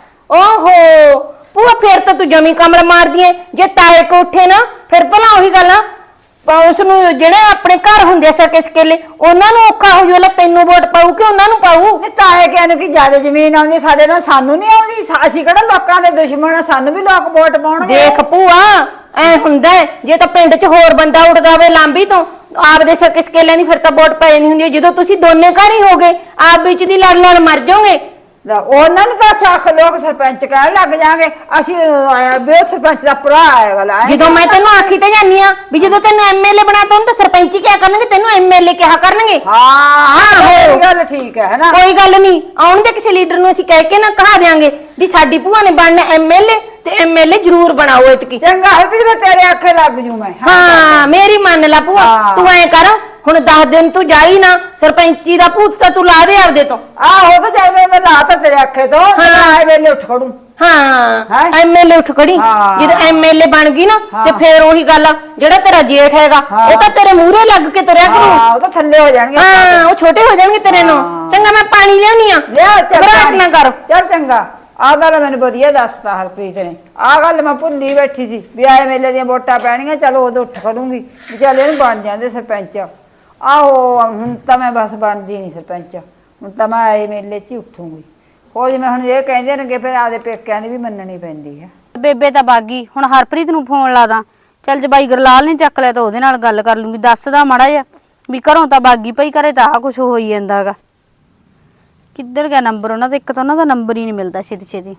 Speaker 4: ਓਹੋ ਭੂਆ, ਫੇਰ ਤਾਂ ਤੂੰ ਜਮੀ ਕਮਰ ਮਾਰਦੀ ਐ। ਜੇ ਤਾਏ ਕੋ ਉੱਠੇ ਨਾ ਫਿਰ ਭਲਾ ਉਹੀ ਗੱਲ ਆ, ਉਸ ਨੂੰ ਜਿਹੜੇ ਆਪਣੇ ਘਰ ਹੁੰਦੇ ਸਕੇ ਸਕੇਲੇ ਉਹਨਾਂ ਨੂੰ ਔਖਾ ਹੋ ਜਾਊ, ਤੈਨੂੰ ਵੋਟ ਪਾਊ ਕਿ ਉਹਨਾਂ ਨੂੰ ਪਾਊ?
Speaker 1: ਨਹੀਂ ਤਾਏ ਕਹਿੰਦੇ ਕਿ ਜਿਆਦਾ ਜ਼ਮੀਨ ਆਉਂਦੀ ਸਾਡੇ ਨਾਲ, ਸਾਨੂੰ ਨਹੀਂ ਆਉਂਦੀ। ਅਸੀਂ ਕਿਹੜਾ ਲੋਕਾਂ ਦੇ ਦੁਸ਼ਮਣ ਆ, ਸਾਨੂੰ ਵੀ ਲੋਕ ਵੋਟ ਪਾਉਣਗੇ।
Speaker 4: ਦੇਖ ਭੂਆ, ਐ ਹੁੰਦਾ ਹੈ, ਜੇ ਤਾਂ ਪਿੰਡ 'ਚ ਹੋਰ ਬੰਦਾ ਉੱਡਦਾ ਹੋਵੇ ਲਾਂਬੀ ਤੋਂ ਆਪਦੇ ਸਕੇ ਸਕੇਲਿਆਂ ਦੀ ਫਿਰ ਤਾਂ ਵੋਟ ਪੈ ਜਾਣੀ ਹੁੰਦੀ ਹੈ। ਜਦੋਂ ਤੁਸੀਂ ਦੋਨੇ ਘਰ ਹੀ ਹੋ ਗਏ ਆਪ ਵਿੱਚ ਦੀ ਲੜ ਲੜ ਮਰ ਜਾਓਗੇ।
Speaker 1: ਉਹਨਾਂ ਨੂੰ ਤਾਂ ਚੱਕ ਲੋਕ ਸਰਪੰਚ ਕਹਿਣ ਲੱਗ ਜਾਗੇ ਅਸੀਂ ਆਇਆ ਵੀ ਉਹ ਸਰਪੰਚ ਦਾ ਭਰਾ ਆਇਆ ਵਾਲਾ।
Speaker 4: ਜਦੋਂ ਮੈਂ ਤੈਨੂੰ ਆਖੀ ਤੇ ਜਾਂਦੀ ਆ ਵੀ ਜਦੋਂ ਤੈਨੂੰ ਐਮਐਲਏ ਬਣਾਤਾ ਉਹਨੂੰ ਤਾਂ ਸਰਪੰਚੀ ਕਿਹਾ ਕਰਨਗੇ, ਤੈਨੂੰ ਐਮਐਲਏ ਕਿਹਾ ਕਰਨਗੇ।
Speaker 1: ਹਾਂ ਇਹ ਗੱਲ ਠੀਕ ਹੈ ਨਾ।
Speaker 4: ਕੋਈ ਗੱਲ ਨਹੀਂ, ਆਉਣ ਦੇ ਕਿਸੇ ਲੀਡਰ ਨੂੰ ਅਸੀਂ ਕਹਿ ਕੇ ਨਾ ਕਹਾ ਦਿਆਂਗੇ ਵੀ ਸਾਡੀ ਭੂਆ ਨੇ ਬਣਨਾ ਐਮਐਲਏ ਤੇ ਐਮਐਲਏ ਜ਼ਰੂਰ ਬਣਾਓ ਇਤਕੀ।
Speaker 1: ਚੰਗਾ ਹੈ ਵੀ ਮੈਂ ਤੇਰੇ ਆਖੇ ਲੱਗ ਜੂ ਮੈਂ।
Speaker 4: ਹਾਂ ਮੇਰੀ ਮੰਨ ਲੈ ਭੂਆ, ਤੂੰ ਐ ਕਰ ਹੁਣ 10 ਦਿਨ ਤੂੰ ਜਾਈ ਨਾ, ਸਰਪੰਚੀ ਦਾ ਭੂਤ ਤਾਂ ਤੂੰ ਲਾ ਦੇ ਆਪਦੇ ਤੋਂ।
Speaker 1: ਆਹੋ ਤਾਂ ਚਾਹੇ ਮੈਂ ਲਾ ਤਾਂ ਤੇਰੇ ਆਖੇ ਤੋਂ ਆਏ ਵੇਲੇ ਉੱਠ ਖੜੂ।
Speaker 4: ਹਾਂ ਐਮਐਲਏ ਉੱਠ ਖੜੀ, ਜਦੋਂ ਐਮਐਲਏ ਬਣ ਗਈ ਨਾ ਤੇ ਫੇਰ ਉਹੀ ਗੱਲ ਆ, ਜਿਹੜਾ ਤੇਰਾ ਜੇਠ ਹੈਗਾ ਉਹ ਤਾਂ ਤੇਰੇ ਮੂਹਰੇ ਲੱਗ ਕੇ ਤੁਰਿਆ ਕਰੂ।
Speaker 1: ਉਹ ਤਾਂ ਥੱਲੇ ਹੋ ਜਾਣਗੇ।
Speaker 4: ਹਾਂ ਉਹ ਛੋਟੇ ਹੋ ਜਾਣਗੇ ਤੇਰੇ ਨੂੰ। ਚੰਗਾ ਮੈਂ ਪਾਣੀ ਲਿਆਉਣੀ ਆ,
Speaker 1: ਲਿਆ
Speaker 4: ਘਬਰਾਹਟ ਨਾ ਕਰ।
Speaker 1: ਚੱਲ ਚੰਗਾ। ਆਹ ਗੱਲ ਮੈਨੂੰ ਵਧੀਆ ਦੱਸਤਾ ਹਰਪ੍ਰੀਤ ਨੇ। ਆਹ ਗੱਲ ਮੈਂ ਭੁੱਲੀ ਬੈਠੀ ਸੀ ਵੀ ਆਏ ਮੇਲੇ ਦੀਆਂ ਵੋਟਾਂ ਪੈਣੀਆਂ, ਚਲੋ ਉਦੋਂ ਉੱਠ ਖੜੂੰਗੀ ਵੀ ਚੱਲ ਇਹਨੂੰ ਬਣ ਜਾਂਦੇ ਸਰਪੰਚ। ਆਹੋ ਹੁਣ ਤਾਂ ਮੈਂ ਬਸ ਬਣਦੀ ਨਹੀਂ ਸਰਪੰਚ, ਹੁਣ ਤਾਂ ਮੈਂ ਆਏ ਮੇਲੇ 'ਚ ਹੀ ਉੱਠੂੰਗੀ। ਹੋਰ ਜਿਵੇਂ ਹੁਣ ਇਹ ਕਹਿੰਦੇ ਨੇਗੇ ਫਿਰ ਆਪਦੇ ਪੇਕਿਆਂ ਦੀ ਵੀ ਮੰਨਣੀ ਪੈਂਦੀ ਹੈ।
Speaker 2: ਬੇਬੇ ਤਾਂ ਬਾਗੀ, ਹੁਣ ਹਰਪ੍ਰੀਤ ਨੂੰ ਫੋਨ ਲਾ ਦਾਂ। ਚੱਲ ਜੇ ਬਾਈ ਗਰਲਾਲ ਨੇ ਚੱਕ ਲਿਆ ਤਾਂ ਉਹਦੇ ਨਾਲ ਗੱਲ ਕਰ ਲੂੰਗੀ। ਦੱਸਦਾ ਮਾੜਾ ਜਿਹਾ ਵੀ ਘਰੋਂ ਤਾਂ ਬਾਗੀ ਪਈ, ਘਰੇ ਤਾਂ ਆਹ ਕੁਛ ਹੋਈ ਜਾਂਦਾ ਹੈਗਾ। ਕਿੱਧਰ ਗਿਆ ਨੰਬਰ ਉਹਨਾਂ ਦਾ? ਇੱਕ ਤਾਂ ਉਹਨਾਂ ਦਾ ਨੰਬਰ ਹੀ ਨਹੀਂ ਮਿਲਦਾ ਛੇਤੀ ਛੇਤੀ।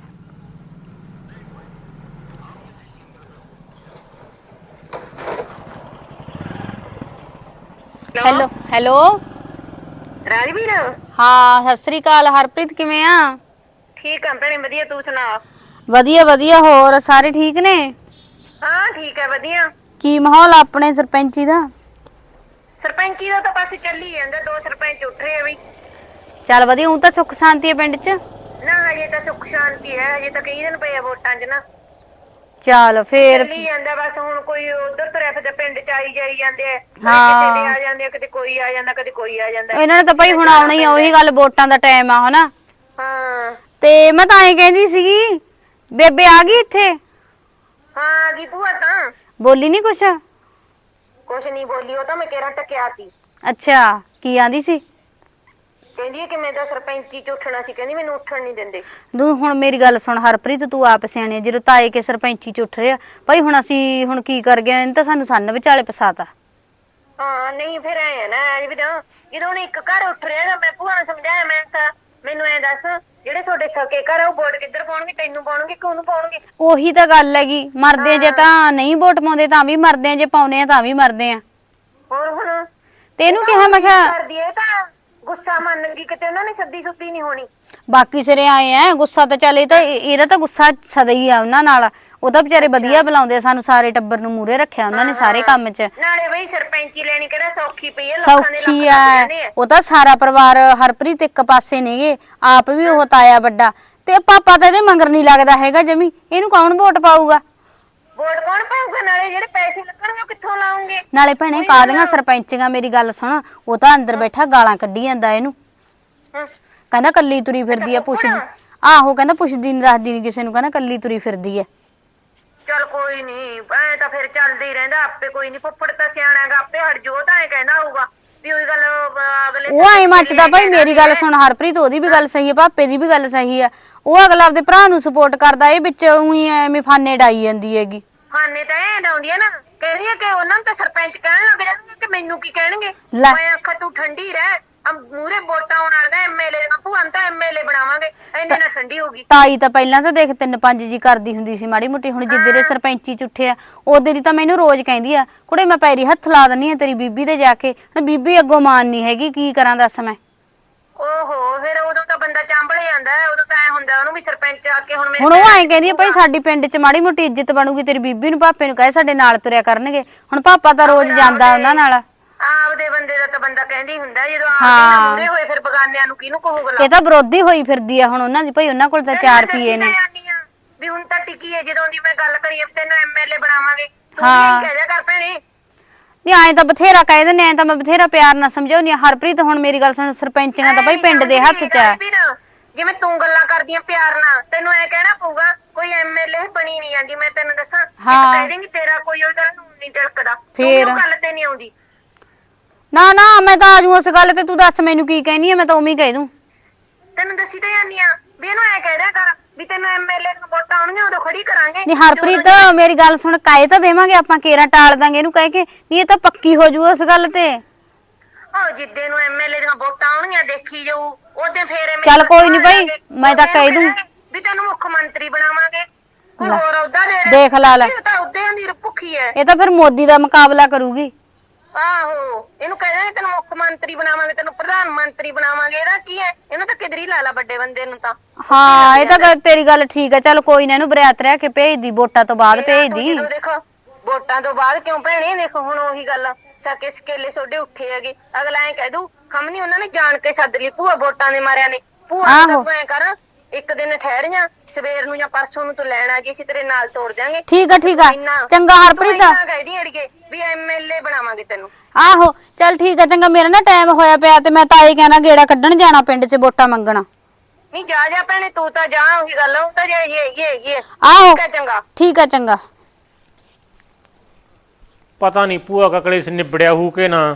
Speaker 2: ਹੈਲੋ ਹੈਲੋ
Speaker 5: ਰਾਜਵੀਰ,
Speaker 2: ਹਾਂ ਸਤਿ ਸ੍ਰੀ ਅਕਾਲ। ਹਰਪ੍ਰੀਤ ਕਿਵੇਂ ਆ?
Speaker 5: ਠੀਕ ਆ ਭੈਣੇ, ਵਧੀਆ। ਤੂੰ ਸੁਣਾ?
Speaker 2: ਵਧੀਆ ਵਧੀਆ। ਹੋਰ ਸਾਰੇ ਠੀਕ ਨੇ?
Speaker 5: ਹਾਂ ਠੀਕ ਹੈ, ਵਧੀਆ।
Speaker 2: ਕੀ ਮਾਹੌਲ ਆਪਣੇ ਸਰਪੰਚੀ ਦਾ?
Speaker 5: ਸਰਪੰਚੀ ਦਾ ਤਾਂ ਬਸ ਚੱਲੀ ਜਾਂਦਾ, 2 ਸਰਪੰਚ ਉੱਠ ਰਹੇ ਆ ਬਈ।
Speaker 2: ਚੱਲ ਵਧੀਆ। ਉਹ ਤਾਂ ਸੁੱਖ ਸ਼ਾਂਤੀ ਹੈ ਪਿੰਡ 'ਚ?
Speaker 5: ਨਾ ਹਜੇ ਤਾਂ ਸੁੱਖ ਸ਼ਾਂਤੀ ਹੈ, ਹਜੇ ਤਾਂ ਕਈ ਦਿਨ ਪਏ ਆ ਵੋਟਾਂ 'ਚ ਨਾ।
Speaker 2: ਚੱਲ ਫੇਰ
Speaker 5: ਚੱਲੀ ਜਾਂਦਾ ਬਸ। ਹੁਣ ਕੋਈ ਉਧਰ ਤੁਰਿਆ ਫਿਰਦਾ, ਪਿੰਡ 'ਚ ਆਈ ਜਾਈ ਜਾਂਦੇ ਆ, ਕਦੇ
Speaker 2: ਹਾਂ।
Speaker 5: ਕਿਸੇ ਦੇ ਆ ਜਾਂਦੇ ਆ, ਕਦੇ ਕੋਈ ਆ ਜਾਂਦਾ, ਕਦੇ ਕੋਈ ਆ ਜਾਂਦਾ।
Speaker 2: ਇਹਨਾਂ ਨੇ ਤਾਂ ਭਾਈ ਹੁਣ ਆਉਣਾ ਹੀ ਆ, ਉਹੀ ਗੱਲ ਵੋਟਾਂ ਦਾ ਟਾਈਮ ਆ ਹਨਾ।
Speaker 5: ਹਾਂ
Speaker 2: ਤੇ ਮੈਂ ਤਾਂ ਐਂ ਕਹਿੰਦੀ ਸੀਗੀ, ਬੇਬੇ ਆ ਗਈ ਇੱਥੇ?
Speaker 5: ਹਾਂ ਕੀ ਭੂਆ ਤਾਂ
Speaker 2: ਬੋਲੀ ਨਹੀਂ ਕੁਛ?
Speaker 5: ਕੁਛ ਨਹੀਂ ਬੋਲੀ, ਉਹ ਤਾਂ ਮੈਂ ਕਿਹੜਾ ਟਕਿਆ ਤੀ।
Speaker 2: ਅੱਛਾ ਕੀ ਆਂਦੀ ਸੀ?
Speaker 5: ਕਹਿੰਦੀ ਹੈ ਕਿ ਮੈਂ ਤਾਂ ਸਰਪੰਚੀ 'ਚ ਉੱਠਣਾ ਸੀ, ਕਹਿੰਦੀ ਮੈਨੂੰ ਉੱਠਣ ਨਹੀਂ ਦਿੰਦੇ।
Speaker 2: ਤੂੰ ਹੁਣ ਮੇਰੀ ਗੱਲ ਸੁਣ ਹਰਪ੍ਰੀਤ, ਤੂੰ ਆਪ ਸਿਆਣੀ ਆ। ਜਦੋਂ ਤਾਏ ਕੇ ਸਰਪੰਚੀ 'ਚ ਉੱਠ ਰਿਹਾ ਭਾਈ, ਹੁਣ ਅਸੀਂ ਹੁਣ ਕੀ ਕਰ ਗਏ? ਇਹਨੇ ਤਾਂ ਸਾਨੂੰ ਸੰਨ ਵਿਚਾਲੇ ਫਸਾਤਾ।
Speaker 5: ਹਾਂ ਨਹੀਂ ਫਿਰ ਐ ਨਾ ਵੀ ਤਾਂ ਜਦੋਂ ਹੁਣ ਇੱਕ ਘਰ ਉੱਠ ਰਿਹਾ ਨਾ, ਮੈਂ ਭੂਆ ਨੂੰ ਸਮਝਾਇਆ, ਮੈਂ ਤਾਂ ਮੈਨੂੰ ਐ ਦੱਸ ਜਿਹੜੇ ਤੁਹਾਡੇ ਸਕੇ ਘਰ ਆ ਉਹ ਵੋਟ ਕਿੱਧਰ ਪਾਉਣਗੇ? ਤੈਨੂੰ ਪਾਉਣਗੇ ਕਿ ਉਹਨੂੰ ਪਾਉਣਗੇ?
Speaker 2: ਉਹੀ ਤਾਂ ਗੱਲ ਹੈਗੀ, ਮਰਦੇ ਜੇ ਤਾਂ ਨਹੀਂ ਵੋਟ ਪਾਉਂਦੇ ਤਾਂ ਵੀ ਮਰਦੇ ਆ, ਜੇ ਪਾਉਨੇ ਆ ਤਾਂ ਵੀ ਮਰਦੇ ਆ।
Speaker 5: ਹੋਰ ਹੁਣ
Speaker 2: ਤੇ ਇਹਨੂੰ ਕਿਹਾ ਮੈਂ ਕਿਹਾ
Speaker 5: ਕਰਦੀ ਐ ਤਾਂ ਗੁੱਸਾ ਮੰਨਣਗੀ, ਕਿਤੇ ਉਹਨਾਂ ਨੇ ਸੱਦੀ ਸੁੱਤੀ ਨਹੀਂ ਹੋਣੀ।
Speaker 2: ਬਾਕੀ ਸਿਰੇ ਆਏ ਆ ਗੁੱਸਾ ਤਾਂ ਚੱਲ, ਇਹ ਤਾਂ ਇਹਦਾ ਤਾਂ ਗੁੱਸਾ ਸਦਾ ਹੀ ਆ ਉਹਨਾਂ ਨਾਲ। ਉਹ ਤਾਂ ਵਿਚਾਰੇ ਵਧੀਆ ਬੁਲਾਉਂਦੇ ਆ ਸਾਨੂੰ, ਸਾਰੇ ਟੱਬਰ ਨੂੰ ਮੂਰੇ ਰੱਖਿਆ ਉਹਨਾਂ ਨੇ ਸਾਰੇ ਕੰਮ 'ਚ।
Speaker 5: ਨਾਲੇ ਬਈ ਸਰਪੰਚੀ ਲੈਣੀ ਕਿਹੜਾ ਸੌਖੀ ਪਈ ਐ, ਲੋਕਾਂ ਦੇ
Speaker 2: ਸੌਖੀ
Speaker 5: ਲੱਖ
Speaker 2: ਆ,
Speaker 5: ਲੱਗ ਜਾਂਦੇ ਆ।
Speaker 2: ਉਹ ਤਾਂ ਸਾਰਾ ਪਰਿਵਾਰ ਹਰਪ੍ਰੀਤ ਇੱਕ ਪਾਸੇ ਨੇਗੇ, ਆਪ ਵੀ ਉਹ ਤਾਇਆ ਵੱਡਾ ਤੇ ਪਾਪਾ ਤਾਂ ਇਹਦੇ ਮੰਗਰ ਨਹੀਂ ਲੱਗਦਾ ਹੈਗਾ ਜਮੀ। ਇਹਨੂੰ ਕੌਣ ਵੋਟ ਪਾਊਗਾ?
Speaker 5: ਵੋਟ ਕੌਣ ਪਾਊਗਾ? ਨਾਲੇ ਜਿਹੜੇ ਪੈਸੇ ਲੱਗਣਗੇ ਉਹ ਕਿੱਥੋਂ ਲਾਉਂਗੇ?
Speaker 2: ਨਾਲੇ ਭੈਣੇ ਕਾਹਦੀਆਂ ਸਰਪੰਚੀਆਂ, ਮੇਰੀ ਗੱਲ ਸੁਣ, ਉਹ ਤਾਂ ਅੰਦਰ ਬੈਠਾ ਗਾਲਾਂ ਕੱਢੀ ਜਾਂਦਾ ਇਹਨੂੰ।
Speaker 5: ਹਮ,
Speaker 2: ਕਹਿੰਦਾ ਕੱਲੀ ਤੁਰੀ ਫਿਰਦੀ ਆ, ਪੁੱਛਦੀ। ਆਹੋ ਕਹਿੰਦਾ ਪੁੱਛਦੀ ਨਹੀਂ ਰੱਖਦੀ ਨਹੀਂ ਕਿਸੇ ਨੂੰ, ਕਹਿੰਦਾ ਕੱਲੀ ਤੁਰੀ ਫਿਰਦੀ ਆ।
Speaker 5: ਚੱਲ ਕੋਈ ਨਹੀਂ, ਐ ਤਾਂ ਫਿਰ ਚੱਲਦਾ ਹੀ ਰਹਿੰਦਾ ਆਪੇ। ਕੋਈ ਨਹੀਂ, ਫੁੱਫੜ ਤਾਂ ਸਿਆਣਾਗਾ, ਆਪੇ ਹਟ ਜੋ। ਤਾਂ ਐ ਕਹਿੰਦਾ ਹੋਊਗਾ ਵੀ ਉਹੀ ਗੱਲ ਅਗਲੇ
Speaker 2: ਉਹ ਐ ਮੱਚਦਾ ਭਾਈ। ਮੇਰੀ ਗੱਲ ਸੁਣ ਹਰਪ੍ਰੀਤ, ਉਹਦੀ ਵੀ ਗੱਲ ਸਹੀ ਹੈ, ਪਾਪੇ ਦੀ ਵੀ ਗੱਲ ਸਹੀ ਆ। ਉਹ ਅਗਲਾ ਆਪਦੇ ਭਰਾ ਨੂੰ ਸਪੋਰਟ ਕਰਦਾ, ਇਹ ਵਿੱਚ ਉਹੀ ਐਵੇਂ ਫਾਨੇ ਡਾਈ ਜਾਂਦੀ ਹੈਗੀ।
Speaker 5: ਫਾਨੇ ਤਾਂ ਇਹ ਡਾਉਂਦੀ ਆ ਨਾ, ਕਹਿੰਦੀ ਆ ਕਿ ਉਹਨਾਂ ਨੂੰ ਤਾਂ ਸਰਪੰਚ ਕਹਿਣ ਲੱਗ ਜਾਣਗੇ ਕਿ ਮੈਨੂੰ ਕੀ ਕਹਿਣਗੇ।
Speaker 2: ਲੈ।
Speaker 5: ਮੈਂ ਆਖਾਂ ਤੂੰ ਠੰਡੀ ਰਹਿ, ਮੂਰੇ ਵੋਟਾਂ ਆਉਣ ਵਾਲਾ ਐਮਐਲਏ ਦਾ, ਭੂਆ ਨੂੰ ਤਾਂ ਐਮਐਲਏ ਬਣਾਵਾਂਗੇ, ਇੰਨੇ ਨਾਲ ਠੰਡੀ ਹੋਗੀ।
Speaker 2: ਤਾਈ ਤਾਂ ਪਹਿਲਾਂ ਤਾਂ ਦੇਖ 3-5 ਜੀ ਕਰਦੀ ਹੁੰਦੀ ਸੀ ਮਾੜੀ ਮੋਟੀ, ਹੁਣ ਜਿੱਦੇ ਦੇ ਸਰਪੰਚੀ ਚ ਉੱਠਿਆ ਉਹਦੇ ਦੀ ਤਾਂ ਮੈਨੂੰ ਰੋਜ਼ ਕਹਿੰਦੀ ਆ, ਕੁੜੇ ਮੈਂ ਪੈਰੀ ਹੱਥ ਲਾ ਦਿੰਨੀ ਆ ਤੇਰੀ ਬੀਬੀ ਦੇ ਜਾ ਕੇ। ਬੀਬੀ ਅੱਗੋਂ ਮਾਨ ਨਹੀਂ ਹੈਗੀ, ਕੀ ਕਰਾਂ ਦੱਸ ਮੈਂ।
Speaker 5: ਓਹੋ ਫਿਰ ਉਦੋਂ ਤਾਂ ਬੰਦਾ ਚਾਂਬਲ ਜਾਂਦਾ, ਉਦੋਂ ਤਾਂ ਐ ਹੁੰਦਾ ਉਹਨੂੰ ਵੀ ਸਰਪੰਚ ਆ ਕੇ ਹੁਣ ਮੇਰੇ
Speaker 2: ਹੁਣ ਉਹ ਐਂ ਕਹਿੰਦੀ ਆ ਭਾਈ ਸਾਡੀ ਪਿੰਡ ਚ ਮਾੜੀ ਮੋਟੀ ਇੱਜ਼ਤ ਬਣੂਗੀ, ਤੇਰੀ ਬੀਬੀ ਨੂੰ ਪਾਪੇ ਨੂੰ ਕਹੇ ਸਾਡੇ ਨਾਲ ਤੁਰਿਆ ਕਰਨਗੇ। ਹੁਣ ਪਾਪਾ ਤਾਂ ਰੋਜ਼ ਜਾਂਦਾ ਉਹਨਾਂ ਨਾਲ।
Speaker 5: ਆਪਦੇ ਬੰਦੇ ਦਾ ਤਾਂ ਬੰਦਾ ਕਹਿੰਦੀ ਹੁੰਦਾ, ਜਦੋਂ ਆਪਦੇ ਨਾਲ ਮੂਰੇ ਹੋਏ ਫਿਰ ਬਗਾਨਿਆਂ ਨੂੰ ਕਿਹਨੂੰ ਕਹੂਗਾ?
Speaker 2: ਇਹ ਤਾਂ ਵਿਰੋਧੀ ਹੋਈ ਫਿਰਦੀ ਆ ਹੁਣ ਉਹਨਾਂ ਦੀ, ਭਾਈ ਉਹਨਾਂ ਕੋਲ ਤਾਂ 4 ਪੀਏ ਨੇ।
Speaker 5: ਵੀ ਹੁਣ ਤਾਂ ਟਿੱਕੀ ਹੈ, ਜਦੋਂ ਦੀ ਮੈਂ ਗੱਲ ਕਰੀ ਤੈਨੂੰ ਐਮਐਲਏ ਬਣਾਵਾਂਗੇ, ਤੂੰ ਵੀ ਕਹਿ ਦਿਆ ਕਰ ਭੈਣੇ।
Speaker 2: ਨਹੀਂ ਐਂ ਤਾਂ ਬਥੇਰਾ ਕਹਿ ਦਿੰਦੇ, ਐਂ ਤਾਂ ਮੈਂ ਬਥੇਰਾ ਪਿਆਰ ਨਾਲ ਸਮਝਾਉਣੀ ਆ ਹਰਪ੍ਰੀਤ। ਹੁਣ ਮੇਰੀ ਗੱਲ ਸੁਣ, ਸਰਪੰਚੀਆਂ ਤਾਂ ਭਾਈ ਪਿੰਡ ਦੇ ਹੱਥ 'ਚ ਆ।
Speaker 5: ਜਿਵੇਂ ਤੂੰ ਗੱਲਾਂ ਕਰਦੀਆਂ ਪਿਆਰ ਨਾਲ, ਤੈਨੂੰ ਐ ਕਹਿਣਾ ਪਊਗਾ ਕੋਈ ਐਮਐਲਏ ਬਣੀ ਨਹੀਂ ਜਾਂਦੀ। ਮੈਂ ਤੈਨੂੰ ਦੱਸਾਂ,
Speaker 2: ਹਾਂ।
Speaker 5: ਕਹਿ ਦੇਂਗੀ ਤੇਰਾ ਕੋਈ ਉਹ ਗੱਲ ਨੂੰ ਨਹੀਂ ਟਿਲਕਦਾ, ਤੂੰ
Speaker 2: ਫੇਰ?
Speaker 5: ਉਹ ਗੱਲ ਤੇ ਨਹੀਂ ਆਉਂਦੀ।
Speaker 2: ਨਾ ਨਾ ਮੈਂ ਤਾਂ ਆ ਜਾਊਂ ਉਸ ਗੱਲ ਤੇ, ਤੂੰ ਦੱਸ ਮੈਨੂੰ ਕੀ ਕਹਿਨੀ ਆ, ਮੈਂ ਤਾਂ ਉਵੇਂ ਹੀ ਕਹਿ ਦੂੰ।
Speaker 5: ਤੈਨੂੰ ਦੱਸੀ ਤਾਂ ਜਾਂਦੀ ਆ ਵੀ ਇਹਨੂੰ ਐ ਕਹਿ ਦਿਆ ਕਰ ਵੀ ਤੈਨੂੰ ਐਮਐਲਏ ਨੂੰ ਵੋਟਾਂ ਆਉਣਗੀਆਂ ਉਦੋਂ ਖੜੀ ਕਰਾਂਗੇ।
Speaker 2: ਨਹੀਂ ਹਰਪ੍ਰੀਤ ਮੇਰੀ ਗੱਲ ਸੁਣ, ਕਾਏ ਤਾਂ ਦੇਵਾਂਗੇ ਆਪਾਂ, ਕੇਰਾ ਟਾਲ ਦਾਂਗੇ ਇਹਨੂੰ ਕਹਿ ਕੇ, ਨਹੀਂ ਇਹ ਤਾਂ ਪੱਕੀ ਹੋ ਜੂ ਉਸ ਗੱਲ ਤੇ।
Speaker 5: ਉਹ ਜਿੱਦੇ ਨੂੰ ਐਮਐਲਏ ਦੀਆਂ ਵੋਟਾਂ ਆਉਣਗੀਆਂ ਦੇਖੀ ਜਾਊ, ਉਹਦੇ ਫੇਰ
Speaker 2: ਚੱਲ ਕੋਈ ਨੀ ਭਾਈ, ਮੈਂ ਤਾਂ ਕਹਿ ਦੂੰ
Speaker 5: ਵੀ ਤੈਨੂੰ ਮੁੱਖ ਮੰਤਰੀ ਬਣਾਵਾਂਗੇ, ਕੋਈ ਹੋਰ ਅਹੁਦਾ ਦੇ
Speaker 2: ਦੇਖ ਲਾ ਲੈ,
Speaker 5: ਇਹ ਤਾਂ ਅਹੁਦਿਆਂ ਦੀ ਭੁੱਖੀ ਐ।
Speaker 2: ਇਹ ਤਾਂ ਫਿਰ ਮੋਦੀ ਦਾ ਮੁਕਾਬਲਾ ਕਰੂਗੀ।
Speaker 5: ਆਹੋ, ਇਹਨੂੰ ਕਹਿ ਦਾਂਗੇ ਤੈਨੂੰ ਮੁੱਖ ਮੰਤਰੀ ਬਣਾਵਾਂਗੇ, ਤੈਨੂੰ ਪ੍ਰਧਾਨ ਮੰਤਰੀ ਬਣਾਵਾਂਗੇ। ਇਹਦਾ ਕੀ ਹੈ, ਇਹਨੂੰ ਤਾਂ ਕਿਧਰੀ ਲਾ ਲਾ ਵੱਡੇ ਬੰਦੇ ਨੂੰ ਤਾਂ।
Speaker 2: ਹਾਂ ਇਹ ਤਾਂ ਤੇਰੀ ਗੱਲ ਠੀਕ ਆ, ਚੱਲ ਕੋਈ ਨਾ ਇਹਨੂੰ ਬਰਾਤ ਰਹਿ ਕੇ ਭੇਜ ਦੀ, ਵੋਟਾਂ ਤੋਂ ਬਾਅਦ ਭੇਜ ਦੀ।
Speaker 5: ਜਦੋਂ ਦੇਖੋ ਵੋਟਾਂ ਤੋਂ ਬਾਅਦ ਕਿਉਂ ਭੈਣੇ, ਦੇਖੋ ਹੁਣ ਉਹੀ ਗੱਲ ਸਕੇ ਸਕੇਲੇ ਸੋਡੇ ਉੱਠੇ ਹੈਗੇ, ਅਗਲਾ ਐ ਕਹਿ ਦੂ ਖਮਨੀ ਉਹਨਾਂ ਨੇ ਜਾਣ ਕੇ ਸੱਦ ਲਈ ਭੂਆ ਵੋਟਾਂ ਦੇ ਮਾਰਿਆਂ ਨੇ। ਭੂਆ ਨੂੰ ਤਾਂ ਐ ਕਰ, ਇੱਕ ਦਿਨ ਠਹਿਰ ਜਾ, ਸਵੇਰ ਨੂੰ ਜਾਂ ਪਰਸੋਂ ਨੂੰ ਤੂੰ ਲੈਣ ਆ ਜੀ, ਅਸੀਂ ਤੇਰੇ ਨਾਲ ਤੋੜ ਦਿਆਂਗੇ।
Speaker 2: ਠੀਕ ਆ ਠੀਕ ਆ, ਚੰਗਾ ਹਰਪ੍ਰੀਤ।
Speaker 5: ਕਹਿਦੀ ਅੜੀਏ ਵੀ ਐਮਐਲਏ ਬਣਾਵਾਂਗੇ ਤੈਨੂੰ।
Speaker 2: ਆਹੋ ਚੱਲ ਠੀਕ ਆ, ਚੰਗਾ ਮੇਰਾ ਨਾ ਟਾਈਮ ਹੋਇਆ ਪਿਆ ਤੇ ਮੈਂ ਤਾਂ ਇਹ ਕਹਿਣਾ ਗੇੜਾ ਕੱਢਣ ਜਾਣਾ ਪਿੰਡ 'ਚ ਵੋਟਾਂ ਮੰਗਣਾ।
Speaker 5: ਨਹੀਂ ਜਾ ਜਾ ਭੈਣੇ, ਤੂੰ ਤਾਂ ਜਾ, ਉਹੀ ਗੱਲ ਉਹ ਤਾਂ ਜਾਈ ਹੈਗੀ।
Speaker 2: ਆਹੋ
Speaker 5: ਠੀਕ ਆ ਚੰਗਾ।
Speaker 2: ਠੀਕ ਆ ਚੰਗਾ।
Speaker 3: ਪਤਾ ਨਹੀਂ ਭੂਆ ਕਾ ਕਲੇਸ਼ ਨਿਬੜਿਆ ਹੋਊ ਕਿ ਨਾ,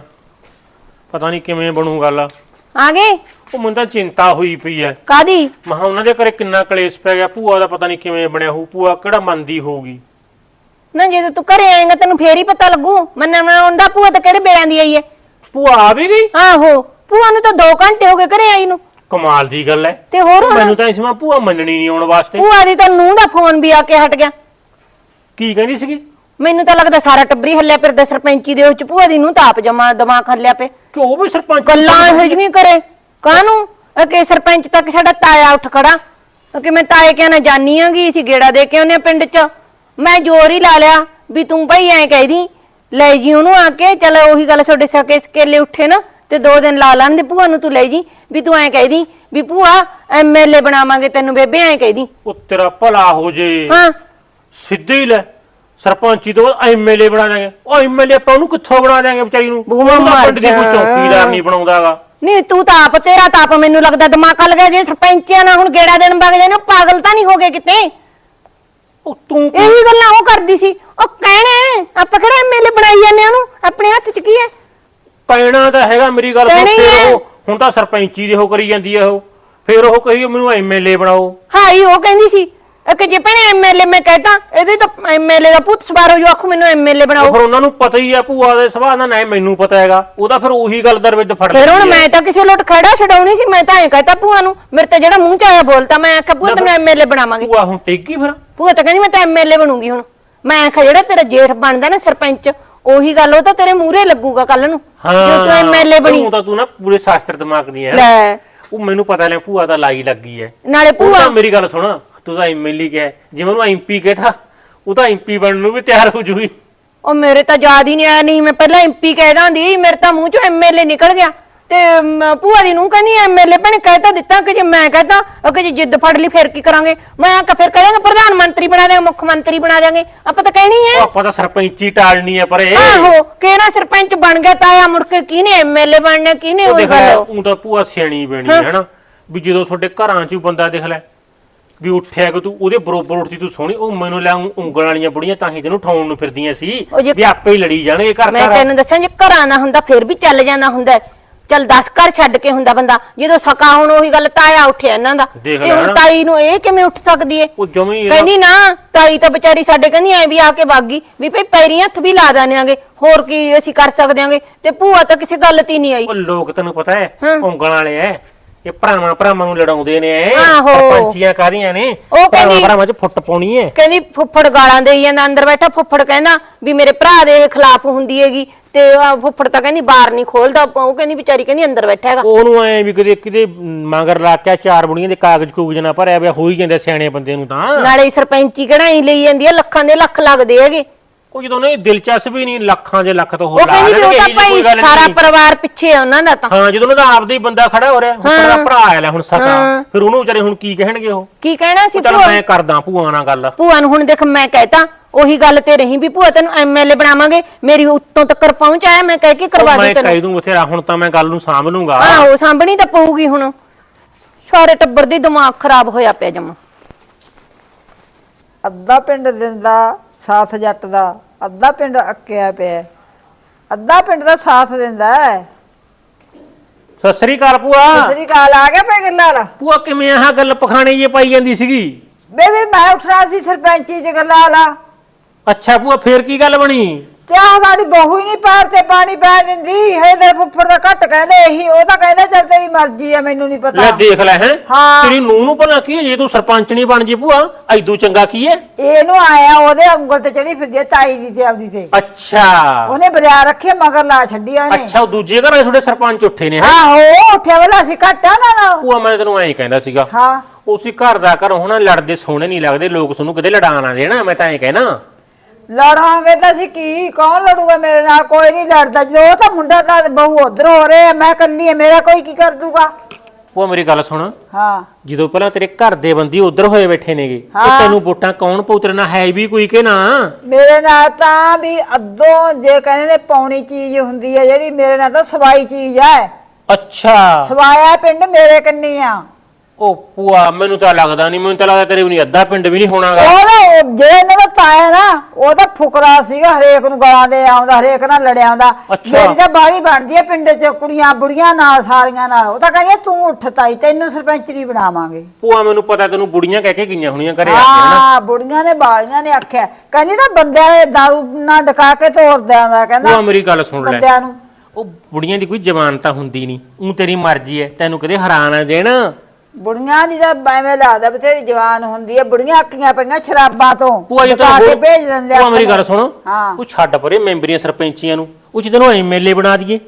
Speaker 3: ਪਤਾ ਨਹੀਂ ਕਿਵੇਂ ਬਣੂ ਗੱਲ।
Speaker 4: ਆ ਗਏ?
Speaker 3: ਉਹ ਮੈਨੂੰ ਤਾਂ ਚਿੰਤਾ ਹੋਈ ਪਈ ਐ,
Speaker 4: ਕਾਦੀ?
Speaker 3: ਮਹਾ ਉਹਨਾਂ ਦੇ ਘਰੇ ਕਿੰਨਾ ਕਲੇਸ਼ ਪੈ ਗਿਆ, ਭੂਆ ਦਾ ਪਤਾ ਨਹੀਂ ਕਿਵੇਂ ਬਣਿਆ ਹੋਊ, ਭੂਆ ਕਿਹੜਾ ਮੰਨਦੀ ਹੋਊਗੀ।
Speaker 4: ਨਾ ਜਦੋਂ ਤੂੰ ਘਰੇ ਆਏਗਾ ਤੈਨੂੰ ਫੇਰ ਹੀ ਪਤਾ ਲੱਗੂ। ਮੰਨਣਾ ਆਉਂਦਾ ਭੂਆ ਤਾਂ ਕਿਹੜੇ ਬੇੜਾਂ ਦੀ ਆਈ ਏ।
Speaker 3: ਭੂਆ ਆ ਵੀ ਗਈ?
Speaker 4: ਆਹੋ, ਭੂਆ ਨੂੰ ਤਾਂ 2 ਘੰਟੇ ਹੋ ਗਏ ਘਰੇ ਆਈ ਨੂੰ।
Speaker 3: ਕਮਾਲ ਦੀ ਗੱਲ ਐ।
Speaker 4: ਤੇ ਹੋਰ ਹੁਣ
Speaker 3: ਮੈਨੂੰ ਤਾਂ ਇਸ ਵਾਰ ਭੂਆ ਮੰਨਣੀ ਨਹੀਂ ਆਉਣ ਵਾਸਤੇ।
Speaker 4: ਭੂਆ ਦੀ ਤਾਂ ਨੂੰਹ ਦਾ ਫੋਨ ਵੀ ਆ ਕੇ ਹਟ ਗਿਆ।
Speaker 3: ਕੀ ਕਹਿੰਦੀ ਸੀਗੀ?
Speaker 4: ਮੈਨੂੰ ਤਾਂ ਲੱਗਦਾ ਸਾਰਾ ਟੱਬਰੀ ਹੱਲਿਆ ਫਿਰਦਾ ਸਰਪੰਚੀ ਦੇ ਵਿੱਚ, ਭੂਆ ਦੀ ਨੂੰਹ ਤਾਂ ਆਪ ਜਮਾ ਦਿਮਾਗ ਹੱਲਿਆ ਪਏ।
Speaker 3: ਕਿ ਉਹ ਵੀ ਸਰਪੰਚ
Speaker 4: ਗੱਲਾਂ ਇਹੋ ਜਿਹੀਆਂ ਕਰੇ ਕਾਹਨੂੰ, ਕਿ ਸਰਪੰਚ ਤੱਕ ਸਾਡਾ ਤਾਇਆ ਉੱਠ ਖੜਾ ਕਿ ਮੈਂ ਤਾਏ ਕਿਹਾ ਨਾ ਜਾਨੀ ਆਂਗੀ, ਅਸੀਂ ਗੇੜਾ ਦੇ ਕੇ ਆਉਨੇ ਪਿੰਡ 'ਚ। ਮੈਂ ਜ਼ੋਰ ਹੀ ਲਾ ਲਿਆ ਵੀ ਤੂੰ ਭਾਈ ਐਂ ਕਹਿਦੀ ਲੈ ਜੀ ਉਹਨੂੰ ਆ ਕੇ, ਚੱਲ ਉਹੀ ਗੱਲ ਤੁਹਾਡੇ ਸਕੇ ਸਕੇਲੇ ਉੱਠੇ ਨਾ ਤੇ 2 ਦਿਨ ਲਾ ਲੈਣ ਦੇ ਭੂਆ ਨੂੰ, ਤੂੰ ਲੈ ਜੀ ਵੀ ਤੂੰ ਐਂ ਕਹਿਦੀ ਵੀ ਭੂਆ ਐਮਐਲਏ ਬਣਾਵਾਂਗੇ ਤੈਨੂੰ, ਬੇਬੇ ਐਂ ਕਹਿਦੀ।
Speaker 3: ਉਹ ਤੇਰਾ ਭਲਾ ਹੋ ਜੇ,
Speaker 4: ਹਾਂ
Speaker 3: ਸਿੱਧੇ ਹੀ ਲੈ ਸਰਪੰਚੀ ਤੋਂ ਬਾਅਦ ਐਮਐਲਏ ਬਣਾ ਦਾਂਗੇ। ਉਹ ਐਮਐਲਏ ਆਪਾਂ ਉਹਨੂੰ ਕਿੱਥੋਂ ਬਣਾ ਦਾਂਗੇ ਵਿਚਾਰੀ ਨੂੰ, ਉਹਦਾ ਪਿੰਡ ਦੀ ਕੋਈ ਚੌਕੀਦਾਰ ਨਹੀਂ ਬਣਾਉਂਦਾਗਾ।
Speaker 4: ਨਹੀਂ ਤੂੰ ਤਾਂ ਆਪ, ਤੇਰਾ ਤਾਂ ਆਪ ਮੈਨੂੰ ਲੱਗਦਾ ਦਿਮਾਗ ਹੱਲ ਗਿਆ। ਜੇ ਸਰਪੰਚਿਆਂ ਨਾਲ ਹੁਣ ਗੇੜਾ ਦੇਣ ਵਗ ਜਾਣਾ, ਪਾਗਲ ਤਾਂ ਨਹੀਂ ਹੋ ਗਏ ਕਿਤੇ?
Speaker 3: ਉਹ ਤੂੰ
Speaker 4: ਇਹੀ ਗੱਲਾਂ ਉਹ ਕਰਦੀ ਸੀ। ਉਹ ਕਹਿਣਾ ਆਪਾਂ ਕਿਹੜਾ ਐਮਐਲਏ ਬਣਾਈ ਜਾਂਦੇ ਉਹਨੂੰ, ਆਪਣੇ ਹੱਥ 'ਚ ਕੀ ਹੈ?
Speaker 3: ਪੈਣਾ ਤਾਂ ਹੈਗਾ, ਮੇਰੀ ਗੱਲ ਸੁਣ।
Speaker 4: ਪੈਣਾ ਹੀ ਹੈ।
Speaker 3: ਫਿਰ ਉਹ ਹੁਣ ਤਾਂ ਸਰਪੰਚੀ ਦੇ ਉਹ ਕਰੀ ਜਾਂਦੀ ਹੈ, ਉਹ ਫਿਰ ਉਹ ਕਹੀ ਮੈਨੂੰ ਐਮਐਲਏ ਬਣਾਓ।
Speaker 4: ਹਾਈ ਉਹ ਕਹਿੰਦੀ ਸੀ ਕਿ ਜੇ ਭੈਣੇ ਐਮਐਲਏ ਮੈਂ ਕਹਿਤਾ, ਇਹਦੇ ਤਾਂ ਐਮਐਲਏ ਦਾ ਪੁੱਤ ਸਵਾਰੋ ਜੋ ਆਖੂ ਮੈਨੂੰ ਐਮਐਲਏ ਬਣਾਓ।
Speaker 3: ਫਿਰ ਉਹਨਾਂ ਨੂੰ ਪਤਾ ਹੀ ਆ ਭੂਆ ਦੇ ਸੁਭਾਅ ਦਾ, ਨਾ ਮੈਨੂੰ ਪਤਾ ਹੈਗਾ ਉਹਦਾ, ਫਿਰ ਉਹੀ ਗੱਲ ਦਰਵਿੱਦ ਫੜ
Speaker 4: ਫਿਰ ਹੁਣ
Speaker 3: ਲੈਂਦੀ ਹੈ।
Speaker 4: ਮੈਂ ਤਾਂ ਕਿਸੇ ਲੋਟ ਖੜਾ ਛਡਾਉਣੀ ਸੀ, ਮੈਂ ਤਾਂ ਐਂ ਕਹਿਤਾ ਭੂਆ ਨੂੰ, ਮੇਰੇ ਤਾਂ ਜਿਹੜਾ ਮੂੰਹ 'ਚ ਆਇਆ ਬੋਲਤਾ। ਮੈਂ ਆਖਿਆ ਭੂਆ ਤੈਨੂੰ ਐਮਐਲਏ ਬਣਾਵਾਂਗੇ।
Speaker 3: ਭੂਆ ਹੁਣ ਟੇਕੀ ਫਿਰ?
Speaker 4: ਭੂਆ ਤਾਂ ਕਹਿੰਦੀ ਮੈਂ ਤਾਂ ਐਮਐਲਏ ਬਣੂੰਗੀ ਹੁਣ। ਮੈਂ ਆਖਿਆ ਜਿਹੜਾ ਤੇਰਾ ਜੇਠ ਬਣਦਾ ਨਾ ਸਰਪੰਚ, ਉਹੀ ਗੱਲ ਉਹ ਤਾਂ ਤੇਰੇ ਮੂਹਰੇ ਲੱਗੂਗਾ ਕੱਲ ਨੂੰ, ਜੇ ਤੂੰ ਐਮਐਲਏ ਬਣੀ।
Speaker 3: ਤੂੰ ਤਾਂ ਤੂੰ ਨਾ ਪੂਰੇ ਸ਼ਾਸਤਰ ਦਿਮਾਗ ਦੀ ਹੈ।
Speaker 4: ਲੈ
Speaker 3: ਉਹ ਮੈਨੂੰ ਪਤਾ ਲੈ ਭੂਆ ਦਾ ਲਾਈ ਲੱਗੀ ਹੈ।
Speaker 4: ਨਾਲੇ ਭੂਆ
Speaker 3: ਮੇਰੀ ਗੱਲ ਸੁਣ, ਤੂੰ ਤਾਂ ਐਮਐਲਏ ਕਿਹਾ, ਜਿਵੇਂ ਉਹਨੂੰ ਐਮਪੀ ਕਹਿਤਾ, ਉਹ ਤਾਂ ਐਮਪੀ ਬਣਨ ਨੂੰ ਵੀ ਤਿਆਰ ਹੋ ਜੂਗੀ।
Speaker 4: ਉਹ ਮੇਰੇ ਤਾਂ ਯਾਦ ਹੀ ਨਹੀਂ ਆਇਆ, ਨਹੀਂ ਮੈਂ ਪਹਿਲਾਂ ਐਮਪੀ ਕਹਿ ਦਾਂਦੀ, ਮੇਰੇ ਤਾਂ ਮੂੰਹ 'ਚੋਂ ਐਮਐਲਏ ਨਿਕਲ ਗਿਆ। ਤੇ ਭੂਆ ਦੀ ਨੂੰ ਕਹਿੰਦੀ ਐਮਐਲਏ ਭੈਣੇ ਕਹਿਤਾ ਦਿੱਤਾ, ਕਿ ਜੇ ਮੈਂ ਕਹਿਤਾ ਕਿ ਜੇ ਜਿੱਦ ਫੜ ਲਈ ਫਿਰ ਕੀ ਕਰਾਂਗੇ? ਮੈਂ ਆਖਿਆ ਫਿਰ ਕਹਾਂਗੇ ਪ੍ਰਧਾਨ ਮੰਤਰੀ ਬਣਾ ਦਿਆਂਗੇ, ਮੁੱਖ ਮੰਤਰੀ ਬਣਾ ਦਿਆਂਗੇ, ਆਪਾਂ ਤਾਂ ਕਹਿਣੀ ਹੈ।
Speaker 3: ਆਪਾਂ ਤਾਂ ਸਰਪੰਚੀ ਟਾਲਣੀ ਹੈ ਪਰ ਇਹ
Speaker 4: ਆਹੋ, ਕਿਹੜਾ ਸਰਪੰਚ ਬਣ ਗਿਆ ਤਾਇਆ, ਮੁੜ ਕੇ ਕਿਹਨੇ ਐਮਐਲਏ ਬਣਨਾ, ਕਿਹਨੇ ਉਹ ਗੱਲ।
Speaker 3: ਉਹ ਤਾਂ ਭੂਆ ਸਿਆਣੀ ਬਣੀ ਹੈ ਨਾ, ਵੀ ਜਦੋਂ ਤੁਹਾਡੇ ਘਰਾਂ 'ਚ ਬੰਦਾ ਦੇਖ ਲੈ ਵੀ ਉੱਠਿਆ ਕਿ ਤੂੰ ਉਹਦੇ ਬਰੋਬਰ ਉੱਠਦੀ, ਤੂੰ ਸੋਹਣੀ, ਉਹ ਮੈਨੂੰ ਲੈ ਉਂਗਲਾਂ ਵਾਲੀਆਂ ਬੁੜੀਆਂ ਤਾਂ ਹੀ ਤੈਨੂੰ ਠਾਉਣ ਨੂੰ ਫਿਰਦੀਆਂ ਸੀ ਵੀ ਆਪੇ ਹੀ ਲੜੀ ਜਾਣਗੇ ਘਰ।
Speaker 4: ਮੈਂ ਤੈਨੂੰ ਦੱਸਾਂ, ਜੇ ਘਰਾਂ ਨਾ ਹੁੰਦਾ ਫਿਰ ਵੀ ਚੱਲ ਜਾਂਦਾ ਹੁੰਦਾ, ਚੱਲ 10 ਘਰ ਛੱਡ ਕੇ ਹੁੰਦਾ ਬੰਦਾ। ਜਦੋਂ ਸਕਾ ਹੁਣ ਉਹੀ ਗੱਲ ਤਾਇਆ ਉੱਠਿਆ ਇਹਨਾਂ ਦਾ, ਤੇ ਹੁਣ ਤਾਈ ਨੂੰ ਇਹ ਕਿਵੇਂ ਉੱਠ ਸਕਦੀ ਏ?
Speaker 3: ਉਹ ਜਮੀ
Speaker 4: ਕਹਿੰਦੀ ਨਾ, ਤਾਈ ਤਾਂ ਵਿਚਾਰੀ ਸਾਡੇ ਕਹਿੰਦੀ ਐ ਵੀ ਆ ਕੇ ਵਾਗੀ ਵੀ ਭਈ ਪੈਰੀ ਹੱਥ ਵੀ ਲਾ ਦਾਂਗੇ, ਹੋਰ ਕੀ ਅਸੀਂ ਕਰ ਸਕਦੇ ਆਂਗੇ। ਤੇ ਭੂਆ ਤਾਂ ਕਿਸੇ ਗੱਲ ਤੇ ਨਹੀਂ ਆਈ।
Speaker 3: ਉਹ ਲੋਕ ਤੈਨੂੰ ਪਤਾ ਹੈ ਉਂਗਲਾਂ ਵਾਲੇ ਐ, ਇਹ ਭਰਾਵਾਂ ਨੂੰ ਲੜਾਉਂਦੇ ਨੇ।
Speaker 4: ਆਹੋ,
Speaker 3: ਸਰਪੰਚੀਆਂ ਕਾਹਦੀਆਂ ਨੇ,
Speaker 4: ਉਹ ਕਹਿੰਦੀ
Speaker 3: ਭਰਾਵਾਂ 'ਚ ਫੁੱਟ ਪਾਉਣੀ ਐ।
Speaker 4: ਕਹਿੰਦੀ ਫੁੱਫੜ ਗਾਲਾਂ ਦੇਈ ਜਾਂਦਾ, ਅੰਦਰ ਬੈਠਾ ਫੁੱਫੜ ਕਹਿੰਦਾ ਵੀ ਮੇਰੇ ਭਰਾ ਦੇ ਖਿਲਾਫ ਹੁੰਦੀ ਹੈਗੀ, ਤੇ ਫੁੱਫੜ ਤਾਂ ਕਹਿੰਦੀ ਬਾਹਰ ਨਹੀਂ ਖੋਲਦਾ, ਉਹ ਕਹਿੰਦੀ ਵਿਚਾਰੀ ਕਹਿੰਦੀ ਅੰਦਰ ਬੈਠਾ ਹੈਗਾ।
Speaker 3: ਉਹਨੂੰ ਐ ਵੀ ਕਦੇ ਕਿਤੇ ਮਗਰ ਲਾ ਕੇ 4 ਬੁੜੀਆਂ ਦੇ ਕਾਗਜ਼ ਕੂਗਜ਼ ਨਾ ਭਰਿਆ ਪਿਆ ਹੋ ਹੀ ਜਾਂਦੇ ਸਿਆਣੇ ਬੰਦੇ ਨੂੰ ਤਾਂ।
Speaker 4: ਨਾਲੇ ਸਰਪੰਚੀ ਕਢਾਈ ਲਈ ਜਾਂਦੀ ਆ, ਲੱਖਾਂ ਦੇ ਲੱਖ ਲੱਗਦੇ ਹੈਗੇ।
Speaker 3: ਉਹ ਜਦੋਂ ਨਹੀਂ ਦਿਲਚਸਪੀ ਨਹੀਂ, ਲੱਖਾਂ ਦੇ ਲੱਖ ਤੋਂ
Speaker 4: ਉਹ ਕਹਿੰਦੀ ਵੀ ਉਹ ਤਾਂ ਭਾਈ ਸਾਰਾ ਪਰਿਵਾਰ ਪਿੱਛੇ ਆ ਉਹਨਾਂ ਦਾ ਤਾਂ।
Speaker 3: ਹਾਂ, ਜਦੋਂ ਉਹਦਾ ਆਪਦਾ ਹੀ ਬੰਦਾ ਖੜਾ ਹੋ ਰਿਹਾ, ਹੁਣ ਦਾ ਭਰਾ ਆਇਆ ਹੁਣ ਸਕਾ, ਫਿਰ ਉਹਨੂੰ ਵਿਚਾਰੇ ਹੁਣ ਕੀ ਕਹਿਣਗੇ? ਉਹ
Speaker 4: ਕੀ ਕਹਿਣਾ ਸੀ?
Speaker 3: ਚੱਲ ਮੈਂ ਕਰਦਾ ਭੂਆ ਨਾਲ ਗੱਲ।
Speaker 4: ਭੂਆ ਨੂੰ ਹੁਣ ਦੇਖ ਮੈਂ ਕਹਿਤਾ ਉਹੀ ਗੱਲ ਤੇ ਰਹੀ ਵੀ ਭੂਆ ਤੈਨੂੰ ਐਮਐਲਏ ਬਣਾਵਾਂਗੇ, ਮੇਰੀ ਉੱਤੋਂ ਤੱਕ ਪਹੁੰਚ ਆਇਆ, ਮੈਂ ਕਹਿ ਕੇ ਕਰਵਾ ਦੂੰ
Speaker 3: ਮੈਂ
Speaker 4: ਤੈਨੂੰ।
Speaker 3: ਕਹਿ ਦੂੰ ਬਥੇਰਾ, ਹੁਣ ਤਾਂ ਮੈਂ ਗੱਲ ਨੂੰ ਸਾਂਭ ਲੂੰਗਾ।
Speaker 4: ਆਹੋ, ਸਾਂਭਣੀ ਤਾਂ ਪਊਗੀ ਹੁਣ। ਸਾਰੇ ਟੱਬਰ ਦੀ ਦਿਮਾਗ ਖਰਾਬ ਹੋਇਆ ਪਿਆ ਜਮਾ।
Speaker 1: ਅੱਧਾ ਪਿੰਡ ਦਿੰਦਾ ਸਾਥ ਜੱਟ ਦਾ, ਅੱਧਾ ਪਿੰਡ ਅੱਕਿਆ ਪਿਆ, ਅੱਧਾ ਪਿੰਡ ਦਾ ਸਾਥ ਦਿੰਦਾ ਹੈ।
Speaker 3: ਸਤਿ ਸ੍ਰੀ ਅਕਾਲ ਭੂਆ।
Speaker 1: ਸ੍ਰੀ ਅਕਾਲ, ਆ ਗਿਆ ਪੈ ਗੱਲਾਂ ਵਾਲਾ।
Speaker 3: ਭੂਆ ਕਿਵੇਂ ਆਹ ਗੱਲ ਪਖਾਣੇ ਜੇ ਪਾਈ ਜਾਂਦੀ ਸੀਗੀ?
Speaker 1: ਬੇਬੀ ਮੈਂ ਉੱਠਣਾ ਸੀ ਸਰਪੰਚੀ ਚ ਗੱਲਾਂ ਵਾਲਾ।
Speaker 3: ਅੱਛਾ ਭੂਆ ਫੇਰ ਕੀ ਗੱਲ ਬਣੀ?
Speaker 1: ਕਿਆ ਸਾਡੀ ਬਹੂ ਹੀ ਨਹੀਂ ਪੈਰ ਤੇ ਪਾਣੀ ਪੈ ਦਿੰਦੀ ਹੈ। ਤੇ ਫੁੱਫੜ ਦਾ ਘੱਟ ਕਹਿੰਦੇ ਇਹੀ, ਉਹ ਤਾਂ ਕਹਿੰਦਾ ਚੱਲ ਤੇਰੀ ਮਰਜ਼ੀ ਆ, ਮੈਨੂੰ ਨਹੀਂ
Speaker 3: ਲੈ
Speaker 1: ਪਤਾ।
Speaker 3: ਦੇਖ ਲੈ ਹੈ
Speaker 1: ਹਾਂ।
Speaker 3: ਤੇਰੀ ਨੂੰਹ ਨੂੰ ਭਲਾ ਕੀ ਹੈ ਜੇ ਤੂੰ ਸਰਪੰਚ ਨਹੀਂ ਬਣ ਜੇ ਭੂਆ? ਐਦੂ ਚੰਗਾ ਕੀ ਹੈ?
Speaker 1: ਇਹਨੂੰ ਆਇਆ ਉਹਦੇ ਉਂਗਲ ਤੇ ਚੜੀ ਫਿਰਦੀ ਆ, ਤਾਈ ਦੀ ਤੇ ਆਪਦੀ ਤੇ।
Speaker 3: ਅੱਛਾ
Speaker 1: ਉਹਨੇ ਬਰਿਆ ਰੱਖੇ ਮਗਰ ਲਾ ਛੱਡੀ ਉਹਨੇ।
Speaker 3: ਅੱਛਾ ਉਹ ਦੂਜੇ ਘਰ ਵਾਲੇ ਤੁਹਾਡੇ ਸਰਪੰਚ ਉੱਠੇ ਨੇ ਹੈ?
Speaker 1: ਆਹੋ ਉੱਠਿਆ ਵੇਲਾ ਸੀ ਘੱਟਾ ਨਾ।
Speaker 3: ਭੂਆ ਮੈਂ ਤੈਨੂੰ ਐਂ ਕਹਿੰਦਾ ਸੀਗਾ
Speaker 1: ਹਾਂ
Speaker 3: ਉਸੇ ਘਰ ਦਾ ਘਰ ਹੋਣਾ, ਲੜਦੇ ਸੋਹਣੇ ਨਹੀਂ ਲੱਗਦੇ ਲੋਕ, ਤੁਹਾਨੂੰ ਕਿਤੇ ਲੜਾਣ ਆ ਦੇਣਾ। ਮੈਂ ਤਾਂ ਐਂ ਕਹਿਣਾ
Speaker 1: ਲੜਾਂਗੇ ਤਾਂ ਅਸੀਂ ਕੀ, ਕੌਣ ਲੜੂਗਾ ਮੇਰੇ ਨਾਲ? ਕੋਈ ਨਹੀਂ ਲੜਦਾ। ਜਦੋਂ ਉਹ ਤਾਂ ਮੁੰਡਾ ਤਾਂ ਬਹੂ ਉਧਰ ਹੋ ਰਿਹਾ, ਮੈਂ ਕੱਲੀ ਆ, ਮੇਰਾ ਕੋਈ ਕੀ ਕਰ ਦੂਗਾ?
Speaker 3: ਭੂਆ ਮੇਰੀ ਗੱਲ ਸੁਣ,
Speaker 1: ਹਾਂ
Speaker 3: ਜਦੋਂ ਪਹਿਲਾਂ ਤੇਰੇ ਘਰ ਦੇ ਬੰਦੀ ਉਧਰ ਹੋਏ ਬੈਠੇ ਨੇਗੇ ਤੇ
Speaker 1: ਹਾਂ।
Speaker 3: ਤੈਨੂੰ ਵੋਟਾਂ ਕੌਣ ਪੂਤਰਨਾ ਹੈ ਵੀ ਕੋਈ ਕਿ ਨਾ?
Speaker 1: ਮੇਰੇ ਨਾਲ ਤਾਂ ਵੀ ਅੱਧੋਂ ਜੇ ਕਹਿੰਦੇ ਨੇ ਪੌਣੀ ਚੀਜ਼ ਹੁੰਦੀ ਹੈ ਜਿਹੜੀ, ਮੇਰੇ ਨਾਲ ਤਾਂ ਸਵਾਈ ਚੀਜ਼ ਹੈ।
Speaker 3: ਅੱਛਾ
Speaker 1: ਸਵਾਇਆ ਪਿੰਡ ਮੇਰੇ ਕੰਨੀ ਆ।
Speaker 3: ਉਹ ਭੂਆ ਮੈਨੂੰ ਤਾਂ ਲੱਗਦਾ ਨਹੀਂ, ਮੈਨੂੰ ਤਾਂ ਲੱਗਦਾ ਤੇਰੇ ਵੀ ਨਹੀਂ ਅੱਧਾ ਪਿੰਡ ਵੀ ਨਹੀਂ ਹੋਣਾਗਾ।
Speaker 1: ਉਹ ਜੇ ਇਹਨਾਂ ਦਾ ਤਾਇਆ ਨਾ, ਉਹ ਤਾਂ ਫੁਕਰਾ ਸੀਗਾ, ਹਰੇਕ ਨੂੰ ਗਾਲਾਂ ਦੇ ਆਉਂਦਾ, ਹਰੇਕ ਨਾਲ ਲੜਿਆ ਆਉਂਦਾ।
Speaker 3: ਅੱਛਾ।
Speaker 1: ਮੇਰੀ ਤਾਂ ਬਾੜੀ ਬਣਦੀ ਹੈ ਪਿੰਡ 'ਚ, ਕੁੜੀਆਂ ਬੁੜੀਆਂ ਨਾਲ ਸਾਰੀਆਂ ਨਾਲ। ਉਹ ਤਾਂ ਕਹਿੰਦੀ ਤੂੰ ਉੱਠ ਤਾਈ, ਤੈਨੂੰ ਸਰਪੰਚਰੀ ਬਣਾਵਾਂਗੇ।
Speaker 3: ਭੂਆ ਮੈਨੂੰ ਪਤਾ ਤੈਨੂੰ ਬੁੜੀਆਂ ਕਹਿ ਕੇ ਗਈਆਂ ਹੋਣੀਆਂ ਘਰੇ ਆ ਕੇ ਹਨਾ?
Speaker 1: ਹਾਂ ਬੁੜੀਆਂ ਨੇ ਬਾਲੀਆਂ ਨੇ ਆਖਿਆ, ਕਹਿੰਦੀ ਤਾਂ ਬੰਦਿਆਂ ਦੇ ਦਾਰੂ ਨਾਲ ਡਕਾ ਕੇ ਤੋਰਦਿਆਂ ਦਾ,
Speaker 3: ਭੂਆ
Speaker 1: ਕਹਿੰਦਾ
Speaker 3: ਮੇਰੀ ਗੱਲ ਸੁਣ ਲੈ,
Speaker 1: ਬੰਦਿਆਂ ਨੂੰ।
Speaker 3: ਉਹ ਬੁੜੀਆਂ ਦੀ ਕੋਈ ਜ਼ਬਾਨ ਤਾਂ ਹੁੰਦੀ ਨਹੀਂ, ਉਹ ਤੇਰੀ ਮਰਜ਼ੀ ਹੈ, ਤੈਨੂੰ ਕਦੇ ਹੈਰਾਨ ਆ ਦੇਣ।
Speaker 1: ਬੁੜੀਆਂ ਦੀ ਤਾਂ ਐਵੇਂ ਲੱਗਦਾ ਬਥੇਰੀ ਜਵਾਨ ਹੁੰਦੀ ਹੈ। ਬੁੜੀਆਂ ਅੱਕੀਆਂ ਪਈਆਂ ਸ਼ਰਾਬਾਂ ਤੋਂ,
Speaker 3: ਭੂਆ ਜੀ
Speaker 1: ਡਕਾ ਕੇ
Speaker 3: ਤੈਨੂੰ
Speaker 1: ਭੇਜ ਦਿੰਦੇ ਆ।
Speaker 3: ਭੂਆ ਮੇਰੀ ਗੱਲ ਸੁਣ,
Speaker 1: ਹਾਂ
Speaker 3: ਉਹ ਛੱਡ ਪਰੇ ਮੈਂਬਰੀਆਂ ਸਰਪੰਚੀਆਂ ਨੂੰ, ਉਹ ਚ ਤੈਨੂੰ ਐਮਐਲਏ ਬਣਾ ਦਈਏ।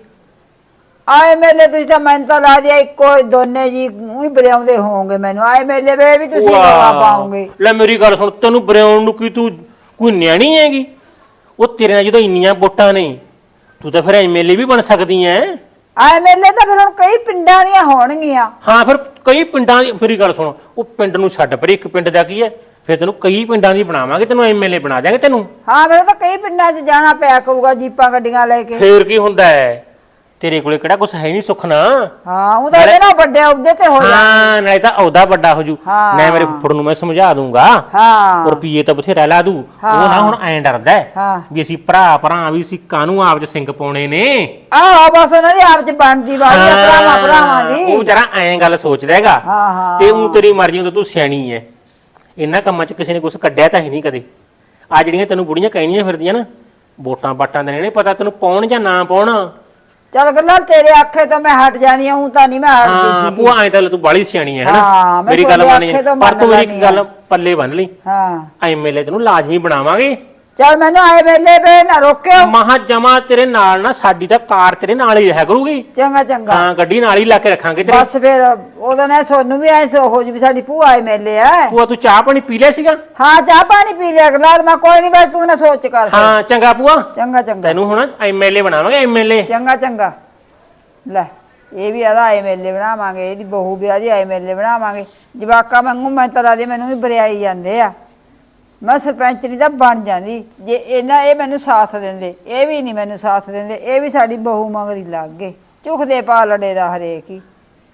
Speaker 1: ਆਏ ਮੇਲੇ ਤੁਸੀਂ ਤਾਂ ਮੈਨੂੰ ਤਾਂ ਲਾ ਦਿਆ ਇੱਕੋ ਹੀ, ਦੋਨੇ ਜੀ ਉਹੀ ਬਰਿਆਉਂਦੇ ਹੋਵੋਗੇ ਮੈਨੂੰ। ਆਏ ਮੇਲੇ ਵੇ ਵੀ ਤੁਸੀਂ ਰੌਲਾ ਪਾਓਗੇ।
Speaker 3: ਲੈ ਮੇਰੀ ਗੱਲ ਸੁਣ, ਤੈਨੂੰ ਬਰਿਆਉਣ ਨੂੰ ਕੀ ਤੂੰ ਕੋਈ ਨਿਆਣੀ ਹੈਗੀ? ਉਹ ਤੇਰੇ ਨਾਲ ਜਦੋਂ ਇੰਨੀਆਂ ਵੋਟਾਂ ਨੇ, ਤੂੰ ਤਾਂ ਫਿਰ ਐਮਐਲਏ ਵੀ ਬਣ ਸਕਦੀ ਐ।
Speaker 1: ਆਏ ਮੇਲੇ ਤਾਂ ਫਿਰ ਹੁਣ ਕਈ ਪਿੰਡਾਂ ਦੀਆਂ ਹੋਣਗੀਆਂ।
Speaker 3: ਹਾਂ ਫਿਰ ਕਈ ਪਿੰਡਾਂ ਦੀ, ਮੇਰੀ ਗੱਲ ਸੁਣ, ਉਹ ਪਿੰਡ ਨੂੰ ਛੱਡ ਪਰੇ, ਇੱਕ ਪਿੰਡ ਦਾ ਕੀ ਹੈ, ਫਿਰ ਤੈਨੂੰ ਕਈ ਪਿੰਡਾਂ ਦੀ ਬਣਾਵਾਂਗੇ, ਤੈਨੂੰ ਐਮਐਲਏ ਬਣਾ ਦਿਆਂਗੇ ਤੈਨੂੰ।
Speaker 1: ਹਾਂ ਮੇਰੇ ਤਾਂ ਕਈ ਪਿੰਡਾਂ 'ਚ ਜਾਣਾ ਪਿਆ ਕਰੂਗਾ, ਜੀਪਾਂ ਗੱਡੀਆਂ ਲੈ ਕੇ।
Speaker 3: ਫੇਰ ਕੀ ਹੁੰਦਾ ਹੈ, ਤੇਰੇ ਕੋਲੇ ਕਿਹੜਾ ਕੁਛ ਹੈ ਨਹੀਂ ਸੁੱਖ ਨਾ।
Speaker 1: ਹਾਂ ਉਹ ਤਾਂ ਇਹਦੇ ਨਾਲ ਵੱਡੇ ਅਹੁਦੇ ਤੇ ਹੋ ਜਾ।
Speaker 3: ਹਾਂ ਨਾਲੇ ਤਾਂ ਉਹਦਾ ਵੱਡਾ ਹੋ ਜੂ।
Speaker 1: ਹਾਂ।
Speaker 3: ਮੈਂ ਮੇਰੇ ਫੁੱਫੜ ਨੂੰ ਮੈਂ ਸਮਝਾ ਦੂੰਗਾ,
Speaker 1: ਹਾਂ
Speaker 3: ਰੁਪਈਏ ਤਾਂ ਬਥੇਰਾ ਲਾ ਦੂ। ਉਹ ਨਾ ਹੁਣ ਐਂ ਡਰਦਾ ਹੈ
Speaker 1: ਹਾਂ।
Speaker 3: ਵੀ ਅਸੀਂ ਭਰਾ ਵੀ ਅਸੀਂ ਕਾਹਨੂੰ ਆਪ ਚ ਸਿੰਘ ਪਾਉਣੇ ਨੇ।
Speaker 1: ਆਹੋ ਬਸ ਉਹਨਾਂ ਦੀ ਆਪ 'ਚ ਬਣਦੀ ਵਾਲੀ ਆ, ਭਰਾਵਾਂ ਦੀ।
Speaker 3: ਉਹ ਜਰਾ ਐਂ ਗੱਲ ਸੋਚਦਾ ਹੈਗਾ।
Speaker 1: ਹਾਂ, ਹਾਂ।
Speaker 3: ਤੇ ਉਹ ਤੇਰੀ ਮਰਜ਼ੀ ਹੁੰਦਾ, ਤੂੰ ਸਿਆਣੀ ਐ, ਇਹਨਾਂ ਕੰਮਾਂ 'ਚ ਕਿਸੇ ਨੇ ਕੁਛ ਕੱਢਿਆ ਤਾਂ ਹੀ ਨਹੀਂ ਕਦੇ। ਆ ਜਿਹੜੀਆਂ ਤੈਨੂੰ ਬੁੜੀਆਂ ਕਹਿਣੀਆਂ ਫਿਰਦੀਆਂ ਨਾ, ਵੋਟਾਂ ਬਾਟਾਂ ਦੇ ਨਹੀਂ ਪਤਾ ਤੈਨੂੰ ਪਾਉਣ ਜਾਂ ਨਾ ਪਾਉਣ।
Speaker 1: ਚੱਲ ਗੱਲਾਂ ਤੇਰੇ ਆਖੇ ਤੋਂ ਮੈਂ ਹਟ ਜਾਣੀ ਆ, ਤਾਂ ਨਹੀਂ ਮੈਂ ਹਟਦੀ
Speaker 3: ਹਾਂ
Speaker 1: ਸੀ।
Speaker 3: ਭੂਆ ਐਂ ਤਾਂ ਤੂੰ ਬਾਲੀ ਸਿਆਣੀ ਐ
Speaker 1: ਹਾਂ,
Speaker 3: ਹਨਾ,
Speaker 1: ਮੈਂ
Speaker 3: ਮੇਰੀ ਗੱਲ
Speaker 1: ਤੁਹਾਡੇ
Speaker 3: ਮੰਨ
Speaker 1: ਆਖੇ ਤੋਂ
Speaker 3: ਪਰ ਤੂੰ
Speaker 1: ਮੰਨ
Speaker 3: ਮੇਰੀ ਇੱਕ
Speaker 1: ਲੈਂਦੀ
Speaker 3: ਗੱਲ ਪੱਲੇ ਬੰਨ ਲਈ,
Speaker 1: ਹਾਂ
Speaker 3: ਐਮਐਲਏ ਤੈਨੂੰ ਲਾਜ਼ਮੀ ਬਣਾਵਾਂਗੇ।
Speaker 1: ਚੱਲ ਮੈਨੂੰ ਆਏ ਮੇਲੇ ਵੇ ਨਾ ਰੋਕਿਓ।
Speaker 3: ਮਹਾ ਜਮਾ ਤੇਰੇ ਨਾਲ ਨਾ, ਸਾਡੀ ਤਾਂ ਕਾਰ ਤੇਰੇ ਨਾਲ ਹੀ ਰਹਿ ਕਰੂਗੀ।
Speaker 1: ਚੰਗਾ ਚੰਗਾ
Speaker 3: ਹਾਂ ਗੱਡੀ ਨਾਲ ਹੀ ਲਾ ਕੇ ਰੱਖਾਂਗੇ ਤੇਰੇ।
Speaker 1: ਬਸ ਫਿਰ ਉਹਦਾ ਨਾ ਸੋਨੂੰ ਵੀ ਐ ਸੋ ਹੋ ਜੂ ਵੀ ਸਾਡੀ ਭੂਆ ਆਏ ਮੇਲੇ ਆ।
Speaker 3: ਭੂਆ ਤੂੰ ਚਾਹ ਪਾਣੀ ਪੀ ਲਿਆ ਸੀਗਾ?
Speaker 1: ਹਾਂ ਚਾਹ ਪਾਣੀ ਪੀ ਲਿਆ ਗਲਾਸ ਮੈਂ, ਕੋਈ ਨਹੀਂ ਬਸ ਤੂੰ ਨਾ ਸੋਚ ਕਰ ਫਿਰ।
Speaker 3: ਹਾਂ ਚੰਗਾ ਭੂਆ,
Speaker 1: ਚੰਗਾ ਚੰਗਾ
Speaker 3: ਤੈਨੂੰ ਹੁਣ ਐਮਐਲਏ ਬਣਾਵਾਂਗੇ, ਐਮਐਲਏ।
Speaker 1: ਚੰਗਾ ਚੰਗਾ। ਲੈ ਇਹ ਵੀ ਆਦਾ ਆਏ ਮੇਲੇ ਬਣਾਵਾਂਗੇ, ਇਹਦੀ ਬਹੂ ਵੀ ਆਦੀ ਆਏ ਮੇਲੇ ਬਣਾਵਾਂਗੇ। ਜਵਾਕਾ ਵਾਂਗੂ ਮੈਂ ਤਾਂ ਦੇ ਮੈਨੂੰ ਵੀ ਬਰਿਆਈ ਜਾਂਦੇ ਆ। ਮੈਂ ਸਰਪੰਚਰੀ ਦਾ ਬਣ ਜਾਂਦੀ ਜੇ ਇਹ ਮੈਨੂੰ ਸਾਥ ਦਿੰਦੇ। ਇਹ ਵੀ ਨਹੀਂ ਮੈਨੂੰ ਸਾਥ ਦਿੰਦੇ, ਇਹ ਵੀ ਸਾਡੀ ਬਹੂ ਮਗਰੀ ਲੱਗ ਗਏ, ਝੁਕਦੇ ਪਾ ਲੜੇ ਦਾ ਹਰੇਕ ਹੀ।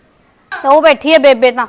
Speaker 2: ਉਹ ਬੈਠੀ ਹੈ ਬੇਬੇ ਤਾਂ।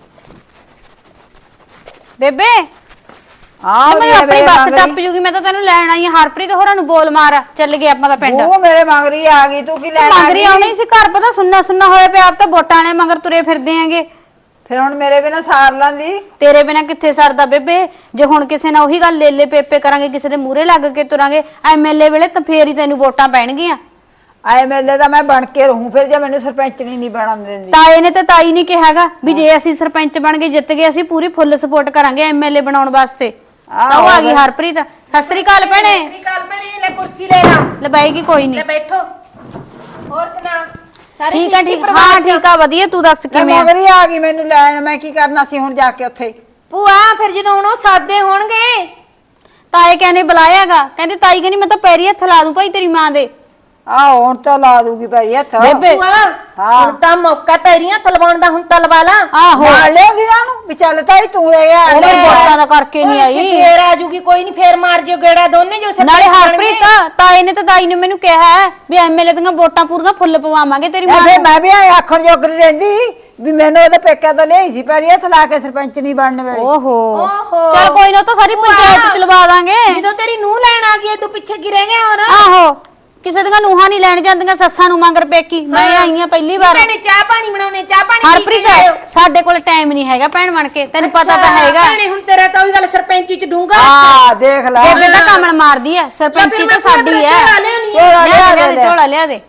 Speaker 2: ਬੇਬੇ
Speaker 1: ਹਾਂ
Speaker 2: ਮੈਂ ਆਪਣੀ ਬੱਸ ਟੱਪ ਜੂਗੀ, ਮੈਂ ਤਾਂ ਤੈਨੂੰ ਲੈਣ ਆਈ ਹਾਂ। ਹਰਪ੍ਰੀਤ ਹੋਰਾਂ ਨੂੰ ਬੋਲ ਮਾਰ, ਚੱਲ ਗਏ ਆਪਾਂ ਦਾ ਪਿੰਡ।
Speaker 1: ਉਹ ਮੇਰੇ ਮਗਰੀ ਆ ਗਈ, ਤੂੰ ਕੀ ਲੈਣ ਆ
Speaker 2: ਮਗਰੀ
Speaker 1: ਗਈ?
Speaker 2: ਆਉਣੀ ਸੀ, ਘਰ ਪਤਾ ਸੁੰਨਾ ਸੁੰਨਾ ਹੋਇਆ ਪਿਆ, ਆਪ ਤਾਂ ਵੋਟਾਂ ਨੇ ਮਗਰ ਤੁਰੇ ਫਿਰਦੇ ਆਂਗੇ।
Speaker 1: ਫਿਰ ਹੁਣ ਮੇਰੇ ਬਿਨਾ ਸਾਰ ਲਾਂਦੀ।
Speaker 2: ਤੇਰੇ ਬਿਨਾ ਕਿੱਥੇ ਸਰਦਾ ਬੇਬੇ? ਜੇ ਹੁਣ ਕਿਸੇ ਨਾਲ ਉਹੀ ਗੱਲ ਲੇਲੇ ਪੇਪੇ ਕਰਾਂਗੇ, ਕਿਸੇ ਦੇ ਮੂਹਰੇ ਲੱਗ ਕੇ ਤੁਰਾਂਗੇ ਐਮਐਲਏ ਵੇਲੇ, ਤਾਂ ਫੇਰ ਹੀ ਤੈਨੂੰ ਵੋਟਾਂ ਪੈਣਗੀਆਂ।
Speaker 1: ਆਏ ਮੇਲੇ ਦਾ ਮੈਂ ਬਣ ਕੇ ਰਹੂੰ ਫਿਰ, ਜੇ ਮੈਨੂੰ ਸਰਪੰਚਣੀ ਨਹੀਂ ਬਣਨ ਦਿੰਦੀ।
Speaker 2: ਤਾਏ ਨੇ ਤੇ ਤਾਈ ਨਹੀਂ ਕਿਹਾਗਾ ਵੀ ਜੇ ਅਸੀਂ ਸਰਪੰਚ ਬਣ ਗਏ, ਜਿੱਤ ਗਏ, ਅਸੀਂ ਪੂਰੀ ਫੁੱਲ ਸਪੋਰਟ ਕਰਾਂਗੇ ਐਮਐਲਏ ਬਣਾਉਣ ਵਾਸਤੇ। ਤਾਂ ਉਹ ਆ ਗਈ ਹਰਪ੍ਰੀਤ। ਸਤਿ ਸ੍ਰੀ ਅਕਾਲ ਭੈਣੇ।
Speaker 4: ਸਤਿ ਸ੍ਰੀ ਅਕਾਲ ਭੈਣੇ, ਲੈ ਕੁਰਸੀ ਲੈ ਲਾ।
Speaker 2: ਲੈ ਬਾਈਗੀ ਕੋਈ ਨਹੀਂ।
Speaker 4: ਲੈ ਬੈਠੋ। ਹੋਰ ਸੁਣਾ? ਸਾਰੇ
Speaker 2: ਠੀਕ ਆ
Speaker 4: ਸੀ
Speaker 2: ਠੀਕ,
Speaker 4: ਪਰਿਵਾਰ
Speaker 2: ਹਾਂ
Speaker 4: ਚ?
Speaker 2: ਠੀਕ ਆ ਵਧੀਆ। ਤੂੰ ਦੱਸ
Speaker 1: ਮੈਂ
Speaker 2: ਕਿਵੇਂ ਆ?
Speaker 1: ਮਗਰੀ ਆ ਗਈ ਮੈਨੂੰ ਲੈਣ, ਮੈਂ ਕੀ ਕਰਨਾ ਸੀ ਹੁਣ ਜਾ ਕੇ ਉੱਥੇ?
Speaker 4: ਭੂਆ ਫਿਰ ਜਦੋਂ ਹੁਣ ਉਹ ਸਾਦੇ ਹੋਣਗੇ।
Speaker 2: ਤਾਏ ਕਹਿੰਦੇ ਬੁਲਾਇਆਗਾ, ਕਹਿੰਦੇ ਤਾਈ ਕਹਿੰਦੀ ਮੈਂ ਤਾਂ ਪੈਰੀ ਹੱਥ ਲਾ ਦੂੰ ਭਾਈ ਤੇਰੀ ਮਾਂ ਦੇ।
Speaker 1: ਆਹ ਹੁਣ ਤਾਂ ਲਾ ਦੂਗੀ ਭਾਈ ਹੱਥ।
Speaker 2: ਬੇਬੇ
Speaker 4: ਭੂਆ
Speaker 1: ਹਾਂ।
Speaker 4: ਹੁਣ ਤਾਂ ਮੌਕਾ ਪੈਰੀਆਂ ਤਲਵਾਉਣ ਦਾ, ਹੁਣ ਤਲਵਾ ਲਾ।
Speaker 2: ਆਹੋ
Speaker 1: ਮਾਰ ਲਿਆਉਂਦੀ ਨਾ ਉਹਨੂੰ ਵੀ ਚੱਲ ਤਾਈ ਤੂੰ ਇਹ ਆ
Speaker 2: ਉਹ ਮੇਰੀ ਵੋਟਾਂ ਦਾ ਕਰਕੇ ਨਹੀਂ ਆਈ।
Speaker 4: ਫੇਰ ਆ ਜੂਗੀ, ਕੋਈ ਨਹੀਂ, ਫੇਰ ਮਾਰ ਜਿਓ ਗੇੜਾ ਦੋਨੇ ਜੋ ਸਰਪੰਚ
Speaker 2: ਨਾਲੇ
Speaker 4: ਬਣਨਗੇ।
Speaker 2: ਹਰਪ੍ਰੀਤ ਤਾਏ ਨੇ ਤੇ ਤਾਈ ਨੇ ਮੈਨੂੰ ਕਿਹਾ ਹੈ ਵੀ ਐਮਐਲਏ ਦੀਆਂ ਵੋਟਾਂ ਪੂਰੀਆਂ ਫੁੱਲ ਪਵਾਵਾਂਗੇ ਤੇਰੀ ਮਾਂ
Speaker 1: ਫਿਰ
Speaker 2: ਨੂੰ।
Speaker 1: ਮੈਂ ਵੀ ਆਖਣ ਜੋਗਰੀ ਰਹਿੰਦੀ ਵੀ ਮੈਨੂੰ ਉਹਦੇ ਪੇਕਿਆਂ ਤੋਂ ਲਿਆਈ ਸੀ ਪੈਰੀ ਹੱਥ ਲਾ ਕੇ ਸਰਪੰਚ ਨਹੀਂ ਬਣਨ ਵੇਲੇ
Speaker 2: ਓਹੋ ਚਲ ਕੋਈ ਨਾ, ਉਹ ਤਾਂ ਸਾਰੀ ਪੰਚਾਇਤ ਚ ਲਵਾ ਦਾਂਗੇ।
Speaker 4: ਜਦੋਂ ਤੇਰੀ ਨੂੰਹ ਲੈਣ ਆ ਗਈ ਤੂੰ ਪਿੱਛੇ ਕੀ ਰਹਿ ਗਿਆ ਹੋਰ?
Speaker 2: ਆਹੋ ਕਿਸੇ ਦੀਆਂ ਨੂੰਹਾਂ ਨਹੀਂ ਲੈਣ ਜਾਂਦੀਆਂ, ਸੱਸਾਂ ਨੂੰ ਮੰਗਰ ਪੇਕੀ। ਮੈਂ ਆਈ ਆ ਪਹਿਲੀ ਵਾਰ।
Speaker 4: ਭੈਣੇ ਚਾਹ ਪਾਣੀ ਬਣਾਉਣੇ, ਚਾਹ ਪਾਣੀ ਪੀ ਕੇ
Speaker 2: ਹਰਪ੍ਰੀਤ
Speaker 4: ਜਾਇਓ।
Speaker 2: ਸਾਡੇ ਕੋਲ ਟਾਈਮ ਨਹੀਂ ਹੈਗਾ ਭੈਣ ਬਣ ਕੇ, ਤੈਨੂੰ ਪਤਾ ਤਾਂ ਹੈਗਾ।
Speaker 4: ਭੈਣੇ ਹੁਣ ਤੇਰਾ ਤਾਂ ਉਹੀ ਗੱਲ ਸਰਪੰਚੀ ਚ ਡੂੰਗਾ।
Speaker 1: ਹਾਂ ਦੇਖ ਲੈ
Speaker 2: ਬੇਬੇ ਤਾਂ ਕਮਲ ਮਾਰਦੀ ਐ, ਸਰਪੰਚੀ ਤਾਂ ਸਾਡੀ ਐ।
Speaker 1: ਝੋਲਾ
Speaker 2: ਲਿਆ ਦੇ ਝੋਲਾ ਲਿਆ ਦੇ।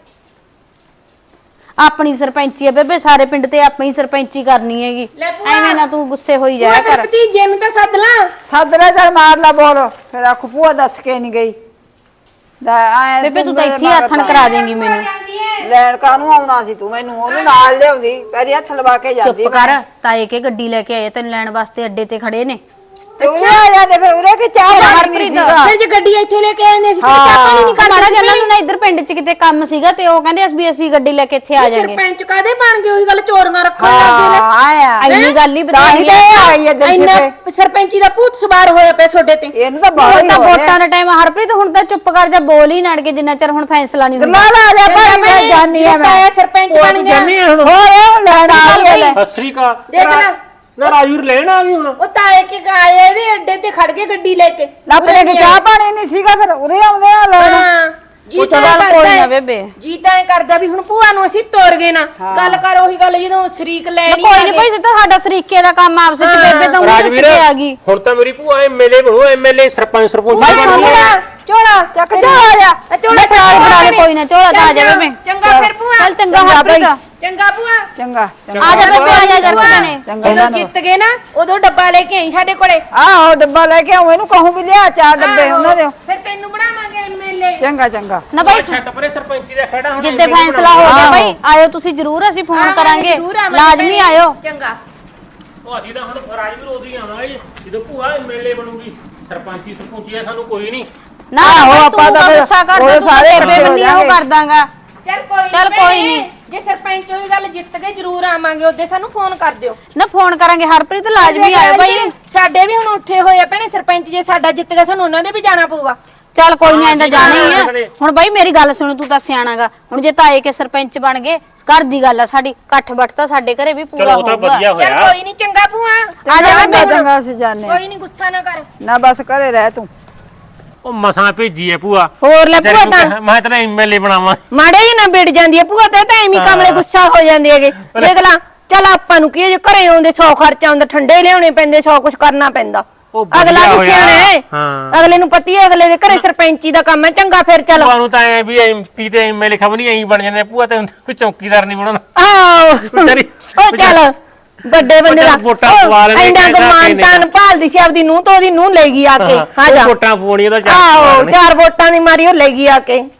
Speaker 2: ਆਪਣੀ ਸਰਪੰਚੀ ਐ ਬੇਬੇ, ਸਾਰੇ ਪਿੰਡ ਤੇ ਆਪਣੀ ਸਰਪੰਚੀ ਕਰਨੀ ਹੈਗੀ। ਐਵੇਂ ਨਾ ਤੂੰ ਗੁੱਸੇ ਹੋਈ ਜਾਇਆ ਕਰ।
Speaker 4: ਭਤੀਜੇ ਨੂੰ ਤਾਂ ਸੱਦ ਲਾ।
Speaker 1: ਸੱਦਰੇ ਚੱਲ ਮਾਰ ਲਾ ਬੋਲ, ਫਿਰ ਆਖੂ ਭੂਆ ਦੱਸ ਕੇ ਨਹੀਂ ਗਈ।
Speaker 2: ਬੇਬੇ ਤੂੰ ਤਾਂ ਇੱਥੇ ਹੱਥਣ ਕਰਾ ਦੇਂਗੀ ਮੈਨੂੰ।
Speaker 1: ਲੈਣ ਕਾਹਨੂੰ ਆਉਣਾ ਸੀ ਤੂੰ, ਮੈਨੂੰ ਉਹਨੂੰ ਨਾਲ ਲਿਆਉਂਦੀ ਪੈਰੀ ਹੱਥ ਲਵਾ ਕੇ ਜਾਂਦੀ।
Speaker 2: ਚੁੱਪ ਕਰ, ਤਾਏ ਕੇ ਗੱਡੀ ਲੈ ਕੇ ਆਏ ਤੈਨੂੰ ਲੈਣ ਵਾਸਤੇ, ਅੱਡੇ ਤੇ ਖੜੇ ਨੇ।
Speaker 1: ਤੇ ਉਰੇ ਆ ਜਾਂਦੇ ਫਿਰ ਉਰੇ ਕਿ ਚਾਹ ਪਾਣੀ ਨਹੀਂ ਸੀਗਾ।
Speaker 4: ਫਿਰ ਜੇ ਗੱਡੀ ਇੱਥੇ ਲੈ ਕੇ ਆਏ ਅਸੀਂ ਚਾਹ ਪਾਣੀ ਨਹੀਂ
Speaker 2: ਮਾੜਾ
Speaker 4: ਕਰਦੇ।
Speaker 2: ਜਿਹਾ ਉਹਨਾਂ ਨੂੰ ਇੱਧਰ ਪਿੰਡ 'ਚ ਕਿਤੇ ਕੰਮ ਸੀਗਾ ਤੇ ਉਹ ਕਹਿੰਦੇ ਵੀ ਅਸੀਂ ਗੱਡੀ ਲੈ ਕੇ ਇੱਥੇ ਆ ਜਾਾਂਗੇ।
Speaker 4: ਸਰਪੰਚ ਕਾਦੇ ਬਣ ਗਏ? ਉਹੀ ਗੱਲ ਚੋਰੀਆਂ ਰੱਖਣ ਲੱਗੇ ਲੈ।
Speaker 1: ਆਇਆ
Speaker 2: ਇੰਨੀ ਗੱਲ ਹੀ
Speaker 1: ਤਾਂ ਹੀ ਤਾਂ ਇਹ ਆਈ ਹੈ ਦਿਲ
Speaker 4: ਇੰਨਾ
Speaker 1: ਚ
Speaker 4: ਸਰਪੰਚੀ ਦਾ ਭੂਤ ਸਵਾਰ ਹੋਇਆ ਪਿਆ ਤੁਹਾਡੇ ਤੇ।
Speaker 1: ਇਹਨੂੰ ਤਾਂ ਬਾਹਰ ਹੀ
Speaker 2: ਤਾਂ
Speaker 1: ਹੋ ਰਿਹਾ।
Speaker 2: ਵੋਟਾਂ ਦਾ ਟਾਈਮ ਹਰਪ੍ਰੀਤ, ਹੁਣ ਤਾਂ ਚੁੱਪ ਕਰ ਜਾ, ਬੋਲ ਹੀ ਨੜ ਕੇ ਜਿੰਨਾ ਚਿਰ ਹੁਣ ਫੈਸਲਾ ਨਹੀਂ ਹੁੰਦਾ।
Speaker 1: ਗੱਲਾਂ ਲਾ ਜਾ ਭਾਈ, ਮੈਂ ਜਾਣੀ ਆ ਮੈਂ
Speaker 4: ਸਰਪੰਚ ਬਣ ਗਿਆ।
Speaker 3: ਜਾਨੀ ਆ ਹੁਣ
Speaker 1: ਹੋਰ ਲੈਣ ਆ ਗਈ ਲੈ।
Speaker 3: ਸਤਿ ਸ੍ਰੀ ਅਕਾਲ।
Speaker 4: ਦੇਖ ਲੈ
Speaker 3: ਨਾ ਰਾਜਵੀਰ ਲੈਣ ਆ ਗਈ ਹੁਣ।
Speaker 4: ਉਹ ਤਾਏ ਕੇ ਆਏ ਇਹਦੇ ਅੱਡੇ ਤੇ ਖੜ ਕੇ ਗੱਡੀ ਲੈ ਕੇ।
Speaker 1: ਲੱਭਲੇ ਕਿ ਚਾਹ ਪਾਣੀ ਨਹੀਂ ਸੀਗਾ, ਫਿਰ ਉਰੇ ਆਉਂਦੇ ਆ ਲੈਣ।
Speaker 4: ਹਾਂ ਜੀ ਤਾਂ
Speaker 2: ਚੱਲ ਕੋਈ ਨਾ ਬੇਬੇ।
Speaker 4: ਜੀ ਤਾਂ ਇਹ ਕਰਦਾ ਵੀ ਹੁਣ ਭੂਆ ਨੂੰ ਅਸੀਂ ਤੋਰ ਗਏ ਨਾ। ਗੱਲ ਕਰ ਉਹੀ ਗੱਲ ਜਦੋਂ ਸ਼ਰੀਕ ਲੈਣੀ
Speaker 2: ਕੋਈ ਨਹੀਂ ਭਾਈ, ਸਿੱਧਾ ਸਾਡਾ ਸਰੀਕੇ ਦਾ ਕੰਮ ਆਪਸ ਵਿੱਚ। ਬੇਬੇ ਤਾਂ ਉਂਗਲੀ
Speaker 3: ਰਾਜਵੀਰ
Speaker 2: ਤੇ ਆ ਗਈ।
Speaker 3: ਹੁਣ ਤਾਂ ਮੇਰੀ ਭੂਆ ਐਮਐਲਏ ਬਣੂ, ਐਮਐਲਏ ਸਰਪੰਚ ਸਰਪੰਚ ਬਣ ਗਈ।
Speaker 4: ਝੋਲਾ
Speaker 1: ਚੱਕ ਜਾ ਆ ਜਾ।
Speaker 4: ਝੋਲਾ
Speaker 2: ਫੜਾ ਦੇ ਕੋਈ ਨਾ, ਝੋਲਾ ਤਾਂ ਆ ਜਾ ਬੇਬੇ।
Speaker 4: ਚੰਗਾ ਫਿਰ ਭੂਆ।
Speaker 2: ਚੱਲ ਚੰਗਾ ਹਰਪ੍ਰੀਤ,
Speaker 4: ਚੰਗਾ ਭੂਆ।
Speaker 1: ਚੰਗਾ
Speaker 2: ਆ ਜਾ ਬੇਬੇ, ਆ ਜਾ ਜਰਕਾ ਨੇ।
Speaker 4: ਜਦੋਂ ਜਿੱਤ ਗਏ ਨਾ ਉਦੋਂ ਡੱਬਾ ਲੈ ਕੇ ਆਈ ਸਾਡੇ ਕੋਲੇ।
Speaker 1: ਆਹੋ ਡੱਬਾ ਲੈ ਕੇ ਆਉਂ, ਇਹਨੂੰ ਕਹੂੰ ਵੀ ਲਿਆ ਚਾਰ ਡੱਬੇ ਉਹਨਾਂ ਦੇ।
Speaker 4: ਫਿਰ ਤੈਨੂੰ ਬਣਾਵਾਂਗੇ ਐਮਐਲਏ।
Speaker 1: ਚੰਗਾ ਚੰਗਾ
Speaker 2: ਨਾ ਭਾਈ
Speaker 3: ਛੱਡ ਪਰੇ ਸਰਪੰਚੀ ਦਾ ਖੜਾ ਹੁਣ।
Speaker 2: ਜਿੱਦੇ ਫੈਸਲਾ ਹੋ ਗਿਆ ਭਾਈ, ਆਇਓ ਤੁਸੀਂ ਜ਼ਰੂਰ, ਅਸੀਂ ਫੋਨ ਕਰਾਂਗੇ, ਲਾਜ਼ਮੀ ਆਇਓ।
Speaker 4: ਚੰਗਾ
Speaker 3: ਉਹ ਅਸੀਂ ਤਾਂ ਹੁਣ ਰਾਜਵੀਰ ਉਦੋਂ ਹੀ ਆਵਾਂਗੇ ਜਦੋਂ ਭੂਆ ਐਮਐਲਏ ਬਣੂਗੀ। ਸਰਪੰਚੀ ਸਰਪੰਚੀ ਸਾਨੂੰ ਕੋਈ ਨਹੀਂ।
Speaker 2: ਨਾ
Speaker 1: ਆਹੋ, ਆਪਾਂ ਤਾਂ ਫਿਰ ਉਹ ਸਾਰੇ ਇਕੱਠੇ ਹੋ
Speaker 2: ਉਹ
Speaker 1: ਜਾਣਗੇ।
Speaker 2: ਕਰ ਦਾਂਗਾ।
Speaker 4: ਚੱਲ ਕੋਈ ਨਹੀਂ। ਜੇ ਸਰਪੰਚ ਉਹੀ ਗੱਲ ਜਿੱਤ ਗਏ ਜ਼ਰੂਰ ਆਵਾਂਗੇ, ਉਹਦੇ ਸਾਨੂੰ ਫੋਨ ਕਰ ਦਿਓ।
Speaker 2: ਨਾ ਫੋਨ ਕਰਾਂਗੇ ਹਰਪ੍ਰੀਤ, ਲਾਜ਼ਮੀ ਆਇਓ ਭਾਈ।
Speaker 4: ਸਾਡੇ ਵੀ ਹੁਣ ਉੱਠੇ ਹੋਏ ਆ ਭੈਣੇ ਸਰਪੰਚ, ਜੇ ਸਾਡਾ ਜਿੱਤ ਗਿਆ ਸਾਨੂੰ ਉਹਨਾਂ ਦੇ ਵੀ ਜਾਣਾ ਪਊਗਾ।
Speaker 2: ਚੱਲ ਕੋਈ ਨਹੀਂ, ਐਂਦਾ ਜਾਣਾ ਹੀ ਆ। ਹੁਣ ਬਾਈ ਮੇਰੀ ਗੱਲ ਸੁਣ, ਤੂੰ ਤਾਂ ਸਿਆਣਾਗਾ। ਹੁਣ ਜੇ ਤਾਏ ਕੇ ਸਰਪੰਚ ਬਣ ਗਏ, ਘਰ ਦੀ ਗੱਲ ਆ ਸਾਡੀ, ਇਕੱਠ ਬੱਠ ਤਾਂ ਸਾਡੇ ਘਰੇ ਵੀ ਪੂਰਾ
Speaker 3: ਚਲੋ ਉਹ ਤਾਂ
Speaker 2: ਹੋਊਗਾ।
Speaker 3: ਵਧੀਆ
Speaker 4: ਚੱਲ
Speaker 3: ਹੋਇਆ।
Speaker 4: ਕੋਈ ਨਹੀਂ, ਚੰਗਾ ਭੂਆ।
Speaker 2: ਆ ਜਾ
Speaker 1: ਚੰਗਾ
Speaker 2: ਬੇਬੇ।
Speaker 1: ਚੰਗਾ ਅਸੀਂ ਜਾਣੇ
Speaker 4: ਕੋਈ ਨਹੀਂ, ਗੁੱਸਾ ਨਾ ਕਰ।
Speaker 1: ਨਾ ਬਸ ਘਰੇ ਰਹਿ ਤੂੰ।
Speaker 3: ਉਹ ਮਸਾਂ ਭੇਜੀ ਐ ਭੂਆ।
Speaker 4: ਹੋਰ ਲੈ ਭੂਆ ਤਾਂ
Speaker 3: ਮੈਂ ਤੇਰਾ ਐਮਐਲਏ ਬਣਾਵਾਂ।
Speaker 4: ਮਾੜੇ ਹੀ ਨਾ ਬਿੜ ਜਾਂਦੀ ਹੈ ਭੂਆ ਤੇ ਤਾਂ ਐਵੇਂ ਕਮਲੇ ਗੁੱਸਾ ਹੋ ਜਾਂਦੇ ਹੈਗੇ। ਦੇਖ ਲਾ, ਚੱਲ ਆਪਾਂ ਨੂੰ ਕੀ ਹੈ, ਜੇ ਘਰੇ ਆਉਂਦੇ 100 ਖਰਚਾ ਹੁੰਦਾ, ਠੰਡੇ ਲਿਆਉਣੇ ਪੈਂਦੇ, 100 ਕੁਝ ਕਰਨਾ ਪੈਂਦਾ।
Speaker 3: ਉਹ ਵਧੀਆ
Speaker 4: ਅਗਲਾ ਵੀ
Speaker 3: ਹੋਇਆ।
Speaker 4: ਸਿਆਣਾ ਹੈ।
Speaker 3: ਹਾਂ।
Speaker 4: ਅਗਲੇ ਨੂੰ ਪਤੀ ਹੈ ਅਗਲੇ ਦੇ ਘਰੇ ਸਰਪੰਚੀ ਦਾ ਕੰਮ ਹੈ। ਚੰਗਾ ਫਿਰ ਚੱਲ।
Speaker 3: ਭੂਆ ਨੂੰ ਤਾਂ ਐ ਵੀ ਐਮਪੀ ਤੇ ਐਮਐਲਏ ਖਬਰ ਨਹੀਂ ਐਂ ਬਣ ਜਾਂਦੇ। ਭੂਆ ਤੇ ਕੋਈ ਚੌਕੀਦਾਰ ਨਹੀਂ ਬਣਾਉਣਾ।
Speaker 4: ਆਓ
Speaker 3: ਵਿਚਾਰੀ-
Speaker 4: ਉਹ ਚੱਲ ਵੱਡੇ ਬੰਦੇ ਦਾ
Speaker 3: ਵੋਟਾਂ ਪਵਾ ਲੈਣੇ,
Speaker 4: ਇੰਨਾ
Speaker 3: ਕਹਿੰਦਾ
Speaker 4: ਗੁਮਾਨ ਤਾਨ ਭਾਲਦੀ ਸੀ ਆਪਦੀ ਨੂੰਹ ਤੋਂ, ਉਹਦੀ ਨੂੰਹ ਲੈ ਗਈ ਆ ਕੇ। ਹਾਂ ਜਾ
Speaker 3: ਵੋਟਾਂ ਪਵਾਉਣੀਆਂ ਤਾਂ
Speaker 4: ਆਓ 4 ਵੋਟਾਂ ਦੀ ਮਾਰੀ ਉਹ ਲੈ ਗਈ ਆ ਕੇ।